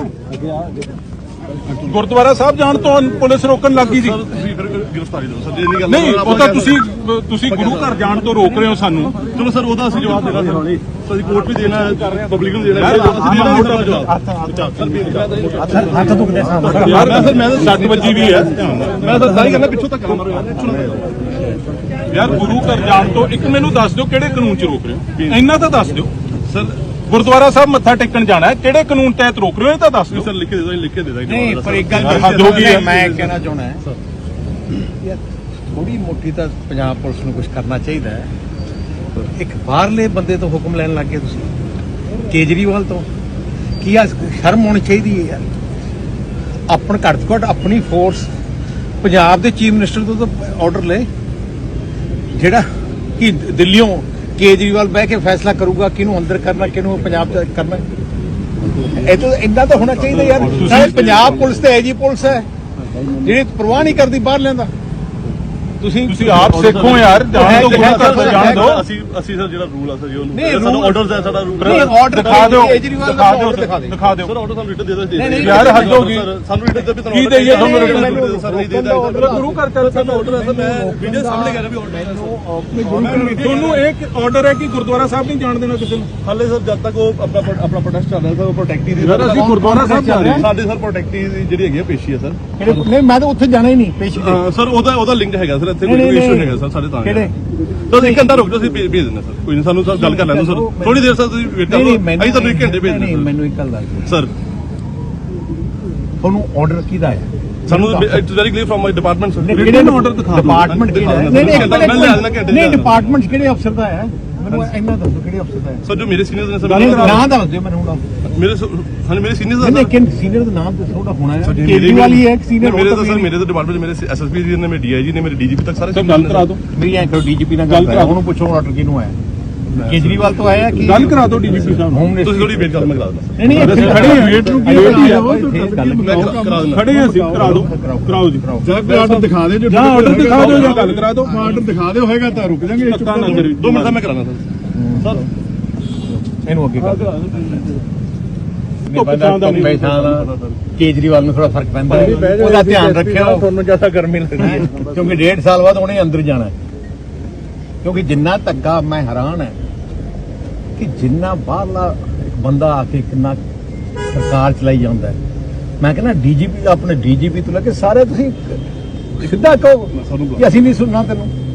[SPEAKER 3] ਗੁਰਦੁਆਰਾ ਸਾਹਿਬ ਜਾਣ ਤੋਂ ਪੁਲਿਸ ਰੋਕਣ ਲੱਗੀ ਜੀ।
[SPEAKER 2] ਸਰ ਤੁਸੀਂ ਫਿਰ ਗ੍ਰਿਫਤਾਰੀ ਦਿਓ ਸਰ ਜੇ ਨਹੀਂ ਗੱਲ
[SPEAKER 3] ਨਹੀਂ ਉਹ ਤਾਂ ਤੁਸੀਂ ਗੁਰੂ ਘਰ ਜਾਣ ਤੋਂ ਰੋਕ ਰਹੇ ਹੋ ਸਾਨੂੰ।
[SPEAKER 2] ਚਲੋ ਸਰ ਉਹਦਾ ਅਸੀਂ ਜਵਾਬ ਦੇਣਾ ਸਰ ਅਸੀਂ ਕੋਰਟ ਵੀ ਦੇਣਾ ਹੈ ਪਬਲਿਕ ਨੂੰ ਦੇਣਾ ਹੈ ਅਸੀਂ ਦੇਣਾ ਮੋਟਾ ਜਵਾਬ ਸਰ
[SPEAKER 1] ਹੱਥ ਦੁਖਦੇ ਸਾਹਮਣੇ।
[SPEAKER 3] ਯਾਰ ਮੈਂ ਤਾਂ 60 ਵਜੇ ਵੀ ਹੈ।
[SPEAKER 2] ਮੈਂ ਤਾਂ ਸਾਰੀ ਕਰਨਾ ਪਿੱਛੋਂ ਤੱਕ ਮਾਰੋ ਯਾਰ
[SPEAKER 3] ਯਾਰ ਗੁਰੂ ਘਰ ਜਾਣ ਤੋਂ ਇੱਕ ਮੈਨੂੰ ਦੱਸ ਦਿਓ ਕਿਹੜੇ ਕਾਨੂੰਨ 'ਚ ਰੋਕ ਰਹੇ ਹੋ? ਇੰਨਾ ਤਾਂ ਦੱਸ ਦਿਓ।
[SPEAKER 2] ਸਰ
[SPEAKER 3] ਗੁਰਦੁਆਰਾ ਸਾਹਿਬ ਮੱਥਾ ਟੇਕਣ ਜਾਣਾ ਹੈ ਕਿਹੜੇ ਕਾਨੂੰਨ ਤਹਿਤ ਰੋਕ ਰਹੇ ਹੋ? ਇਹ ਤਾਂ ਦੱਸ ਦਿਓ।
[SPEAKER 2] ਸਰ ਲਿਖ ਕੇ ਦੇ ਦੋ ਲਿਖ ਕੇ ਦੇ ਦਾਂਗੇ
[SPEAKER 1] ਨਹੀਂ ਪਰ ਇੱਕ ਗੱਲ
[SPEAKER 3] ਹੱਦ ਹੋ ਗਈ ਹੈ।
[SPEAKER 1] ਮੈਂ ਕਹਿਣਾ ਚਾਹੁੰਦਾ ਯਾਰ ਥੋੜੀ ਮੋਟੀ ਤਾਂ ਪੰਜਾਬ ਪੁਲਿਸ ਨੂੰ ਕੁਝ ਕਰਨਾ ਚਾਹੀਦਾ ਹੈ। ਇੱਕ ਬਾਹਰਲੇ ਬੰਦੇ ਤੋਂ ਹੁਕਮ ਲੈਣ ਲੱਗ ਗਏ ਤੁਸੀਂ, ਕੇਜਰੀਵਾਲ ਤੋਂ। ਕੀ ਆ ਸ਼ਰਮ ਹੋਣੀ ਚਾਹੀਦੀ ਹੈ ਯਾਰ। ਆਪਣ ਘੱਟ ਤੋਂ ਘੱਟ ਆਪਣੀ ਫੋਰਸ ਪੰਜਾਬ ਦੇ ਚੀਫ ਮਿਨਿਸਟਰ ਤੋਂ ਤਾਂ ਆਰਡਰ ਲੈ ਜਿਹੜਾ ਕਿ ਦਿੱਲੀੋਂ ਕੇਜਰੀਵਾਲ ਬਹਿ ਕੇ ਫੈਸਲਾ ਕਰੂਗਾ ਕਿਹਨੂੰ ਅੰਦਰ ਕਰਨਾ ਕਿਹਨੂੰ ਪੰਜਾਬ ਚ ਕਰਨਾ। ਇਹ ਤਾਂ ਇੰਨਾ ਤਾਂ ਹੋਣਾ ਚਾਹੀਦਾ ਯਾਰ। ਸਾਰੇ ਪੰਜਾਬ ਪੁਲਿਸ ਤੇ ਐਜੀ ਪੁਲਿਸ ਹੈ ਜਿਹੜੀ ਪਰਵਾਹ ਨਹੀਂ ਕਰਦੀ ਬਾਹਰ ਲੈਂਦਾ। ਤੁਸੀਂ
[SPEAKER 3] ਆਪ ਸਿੱਖੋ ਯਾਰ ਜਾਣ ਤੋਂ ਗੁਰੂ ਘਰ ਤੋਂ ਜਾਣ ਦਿਓ।
[SPEAKER 2] ਅਸੀਂ ਸਰ ਜਿਹੜਾ ਰੂਲ ਆ ਸਰ ਉਹਨੂੰ
[SPEAKER 1] ਨਹੀਂ,
[SPEAKER 2] ਸਾਡਾ
[SPEAKER 1] rule-
[SPEAKER 2] ਆਰਡਰਸ ਹੈ ਸਾਡਾ ਰੂਲ
[SPEAKER 1] ਨਹੀਂ, order
[SPEAKER 3] ਦਿਖਾ ਦਿਓ
[SPEAKER 1] ਕੇਜਰੀਵਾਲ ਦਾ
[SPEAKER 3] ਦਿਖਾ ਦਿਓ
[SPEAKER 1] order ਦਿਖਾ ਦਿਓ।
[SPEAKER 3] ਦਿਖਾ ਦਿਓ।
[SPEAKER 2] ਸਰ ਆਰਡਰ ਸਾਨੂੰ ਰਿਟਨ ਦੇ ਦੋ
[SPEAKER 1] ਨਹੀਂ, ਨਹੀਂ,
[SPEAKER 3] ਯਾਰ ਹੱਦ ਹੋ ਗਈ।
[SPEAKER 2] ਸਾਨੂੰ ਰਿਟਨ ਦੇ ਵੀ
[SPEAKER 3] ਕੀ ਦੇਈਏ ਤੁਹਾਨੂੰ written?
[SPEAKER 2] ਸਰ ਨਹੀਂ ਦੇਦਾ
[SPEAKER 3] ਗੁਰੂ ਘਰ ਚੱਲ
[SPEAKER 2] ਸਾਡਾ ਆਰਡਰ ਹੈ ਸਰ ਮੈਂ ਵੀਡੀਓ ਸਾਹਮਣੇ ਕਰ ਰਿਹਾ ਵੀ ਆਰਡਰ ਹੈ
[SPEAKER 3] ਤੁਹਾਨੂੰ ਇੱਕ ਆਰਡਰ ਹੈ ਕਿ ਗੁਰਦੁਆਰਾ ਸਾਹਿਬ ਨਹੀਂ ਜਾਣ ਦੇਣਾ ਕਿਸੇ ਨੂੰ।
[SPEAKER 2] ਹਾਲੇ ਸਰ ਜਦ ਤੱਕ ਉਹ ਆਪਣਾ ਪ੍ਰੋਟੈਸਟ ਚੱਲ ਰਿਹਾ ਸਰ ਉਹ ਪ੍ਰੋਟੈਕਟੀ ਦੀ
[SPEAKER 3] ਯਾਰ ਅਸੀਂ ਗੁਰਦੁਆਰਾ ਸਾਹਿਬ ਜਾ ਰਹੇ ਹਾਂ।
[SPEAKER 2] ਸਾਡੇ ਸਰ ਪ੍ਰੋਟੈਕਟੀ ਦੀ ਜਿਹੜੀ ਹੈਗੀ ਆ ਪੇਸ਼ੀ ਹੈ ਸਰ
[SPEAKER 1] ਨਹੀਂ ਮੈਂ ਤਾਂ ਉੱਥੇ ਜਾਣਾ ਹੀ ਨਹੀਂ ਪੇਸ਼ੀ ਤੇ।
[SPEAKER 2] ਸਰ ਉਹਦਾ ਲਿੰਕ ਹੈਗਾ ਸਰ ਇੱਥੇ
[SPEAKER 1] ਨਹੀਂ,
[SPEAKER 2] ਕੋਈ
[SPEAKER 1] ਨਹੀਂ,
[SPEAKER 2] ਇਸ਼ੂ
[SPEAKER 1] ਨਹੀਂ।
[SPEAKER 2] ਹੈਗਾ ਸਰ ਸਾਡੇ ਤਾਂ
[SPEAKER 1] ਕਿਹੜੇ?
[SPEAKER 2] ਸਰ ਇੱਕ ਘੰਟਾ ਰੁਕ ਜਾਓ ਅਸੀਂ ਭੇਜ ਦਿੰਦੇ ਸਰ ਕੋਈ ਨਹੀਂ ਸਾਨੂੰ ਸਰ ਗੱਲ ਕਰ ਲੈਣ ਦਿਓ ਸਰ ਥੋੜੀ ਦੇਰ ਸਰ ਤੁਸੀਂ ਵੇਟ ਕਰੋ ਅਸੀਂ ਤੁਹਾਨੂੰ 1 ਘੰਟੇ ਭੇਜ
[SPEAKER 1] ਨਹੀਂ
[SPEAKER 2] ਦਿੰਦੇ
[SPEAKER 1] ਮੈਨੂੰ ਇੱਕ ਗੱਲ ਦੱਸ
[SPEAKER 2] ਸਰ
[SPEAKER 1] ਤੁਹਾਨੂੰ ਆਰਡਰ ਕਿਹਦਾ ਹੈ?
[SPEAKER 2] ਸਾਨੂੰ it's very clear from my department sir
[SPEAKER 3] ਕਿਹੜੇ ਨੂੰ order ਦਿਖਾ ਦਿਓ।
[SPEAKER 1] ਡਿਪਾਰਟਮੈਂਟ ਕਿਹੜਾ ਹੈ?
[SPEAKER 2] ਨਹੀਂ,
[SPEAKER 1] ਨਹੀਂ ਡਿਪਾਰਟਮੈਂਟ ਕਿਹੜੇ ਅਫਸਰ ਦਾ ਹੈ? ਮੈਨੂੰ ਇੰਨਾ ਦੱਸੋ ਕਿਹੜੇ ਅਫਸਰ ਦਾ ਹੈ?
[SPEAKER 2] ਸਰ ਜੋ ਮੇਰੇ ਸੀਨੀਅਰਸ ਨੇ ਸਰ
[SPEAKER 1] ਨਾਮ ਦੱਸ ਦਿਓ ਮੈਨੂੰ ਹੁਣ।
[SPEAKER 2] ਮੇਰੇ ਸੀਨੀਅਰਸ
[SPEAKER 1] ਨਹੀਂ ਕਿਨ ਸੀਨੀਅਰ ਦਾ ਨਾਮ ਦੱਸੋ ਉਹਦਾ ਹੋਣਾ ਹੈ। ਕੇਜਰੀਵਾਲ ਹੀ ਹੈ ਇੱਕ senior,
[SPEAKER 2] ਮੇਰੇ
[SPEAKER 1] ਉਹ
[SPEAKER 2] ਤਾਂ
[SPEAKER 1] ਤਾਂ
[SPEAKER 2] ਸਰ ਮੇਰੇ ਤਾਂ ਡਿਪਾਰਟਮੈਂਟ ਮੇਰੇ ਐਸਐਸਪੀ ਜੀ ਨੇ ਮੇਰੇ ਡੀਆਈਜੀ ਨੇ ਮੇਰੇ ਡੀਜੀਪੀ ਤੱਕ ਸਾਰੇ
[SPEAKER 3] ਸਰ ਗੱਲ ਕਰਾ ਦਿਓ।
[SPEAKER 1] ਮੇਰੀ ਐਂ ਕਰੋ ਡੀਜੀਪੀ ਨਾਲ ਗੱਲ ਕਰਾ ਉਹਨੂੰ ਪੁੱਛੋ ਆਰਡਰ ਕਿਹਨੂੰ ਆਇਆ। ਕੇਜਰੀਵਾਲ ਤੋਂ ਆਇਆ ਕਿ
[SPEAKER 3] ਗੱਲ ਕਰਾ ਦਿਓ ਡੀਜੀਪੀ ਸਾਹਿਬ
[SPEAKER 1] ਹੋਮ
[SPEAKER 2] ਤੁਸੀਂ ਥੋੜੀ ਵੇਟ ਕਰੋ ਮੈਂ ਕਰਾ ਦਿੰਦਾ
[SPEAKER 1] ਨਹੀਂ ਇੱਥੇ
[SPEAKER 3] ਖੜੇ ਹਾਂ, ਵੇਟ ਨੂੰ ਕੀ
[SPEAKER 1] ਵੇਟ ਹੀ
[SPEAKER 3] ਹੈ?
[SPEAKER 1] ਹੈ।
[SPEAKER 2] ਕਰਾ ਦਿੰਦਾ
[SPEAKER 3] ਖੜੇ ਹਾਂ ਅਸੀਂ ਕਰਾ ਦਿਓ ਕਰਾਓ ਜੀ
[SPEAKER 5] ਜਾਂ ਕੋਈ ਆਰਡਰ ਦਿਖਾ ਦਿਓ
[SPEAKER 3] ਜਾਂ ਆਰਡਰ ਦਿਖਾ ਦਿਓ ਜਾਂ ਗੱਲ ਕਰਾ ਦਿਓ।
[SPEAKER 5] ਆਰਡਰ ਦਿਖਾ ਦਿਓ ਹੋਏਗਾ ਤਾਂ ਰੁਕ ਜਾਾਂਗੇ।
[SPEAKER 3] ਧੱਕਾ ਨਾ ਕਰੀ।
[SPEAKER 2] 2 ਮਿੰਟ ਦਾ ਮੈਂ ਕਰਾਣਾ ਸਰ
[SPEAKER 1] ਇਹਨੂੰ ਅੱਗੇ ਕਰ ਦਿਓ।
[SPEAKER 3] ਧੁੱਪ ਛਾਂ ਦਾ ਨਹੀਂ।
[SPEAKER 1] ਕੇਜਰੀਵਾਲ ਨੂੰ ਥੋੜਾ ਫਰਕ ਪੈਂਦਾ ਹੈ। ਉਹਦਾ ਧਿਆਨ ਰੱਖਿਓ ਤੁਹਾਨੂੰ ਜ਼ਿਆਦਾ ਗਰਮੀ ਲੱਗਦੀ ਹੈ ਕਿਉਂਕਿ 1.5 ਸਾਲ ਬਾਅਦ ਉਹਨੇ ਅੰਦਰ ਜਾਣਾ ਹੈ। ਕਿਉਂਕਿ ਜਿੰਨਾ ਧੱਕਾ ਮੈਂ ਹੈਰਾਨ ਹੈ ਕਿ ਜਿੰਨਾ ਬਾਹਰਲਾ ਇੱਕ ਬੰਦਾ ਆ ਕੇ ਕਿੰਨਾ ਸਰਕਾਰ ਚਲਾਈ ਜਾਂਦਾ ਹੈ। ਮੈਂ ਕਹਿੰਦਾ ਡੀਜੀਪੀ ਆਪਣੇ ਡੀਜੀਪੀ ਤੋਂ ਲੈ ਕੇ ਸਾਰੇ ਤੁਸੀਂ ਸਿੱਧਾ ਕਹੋ ਕਿ ਅਸੀਂ ਨਹੀਂ ਸੁਣਨਾ ਤੈਨੂੰ।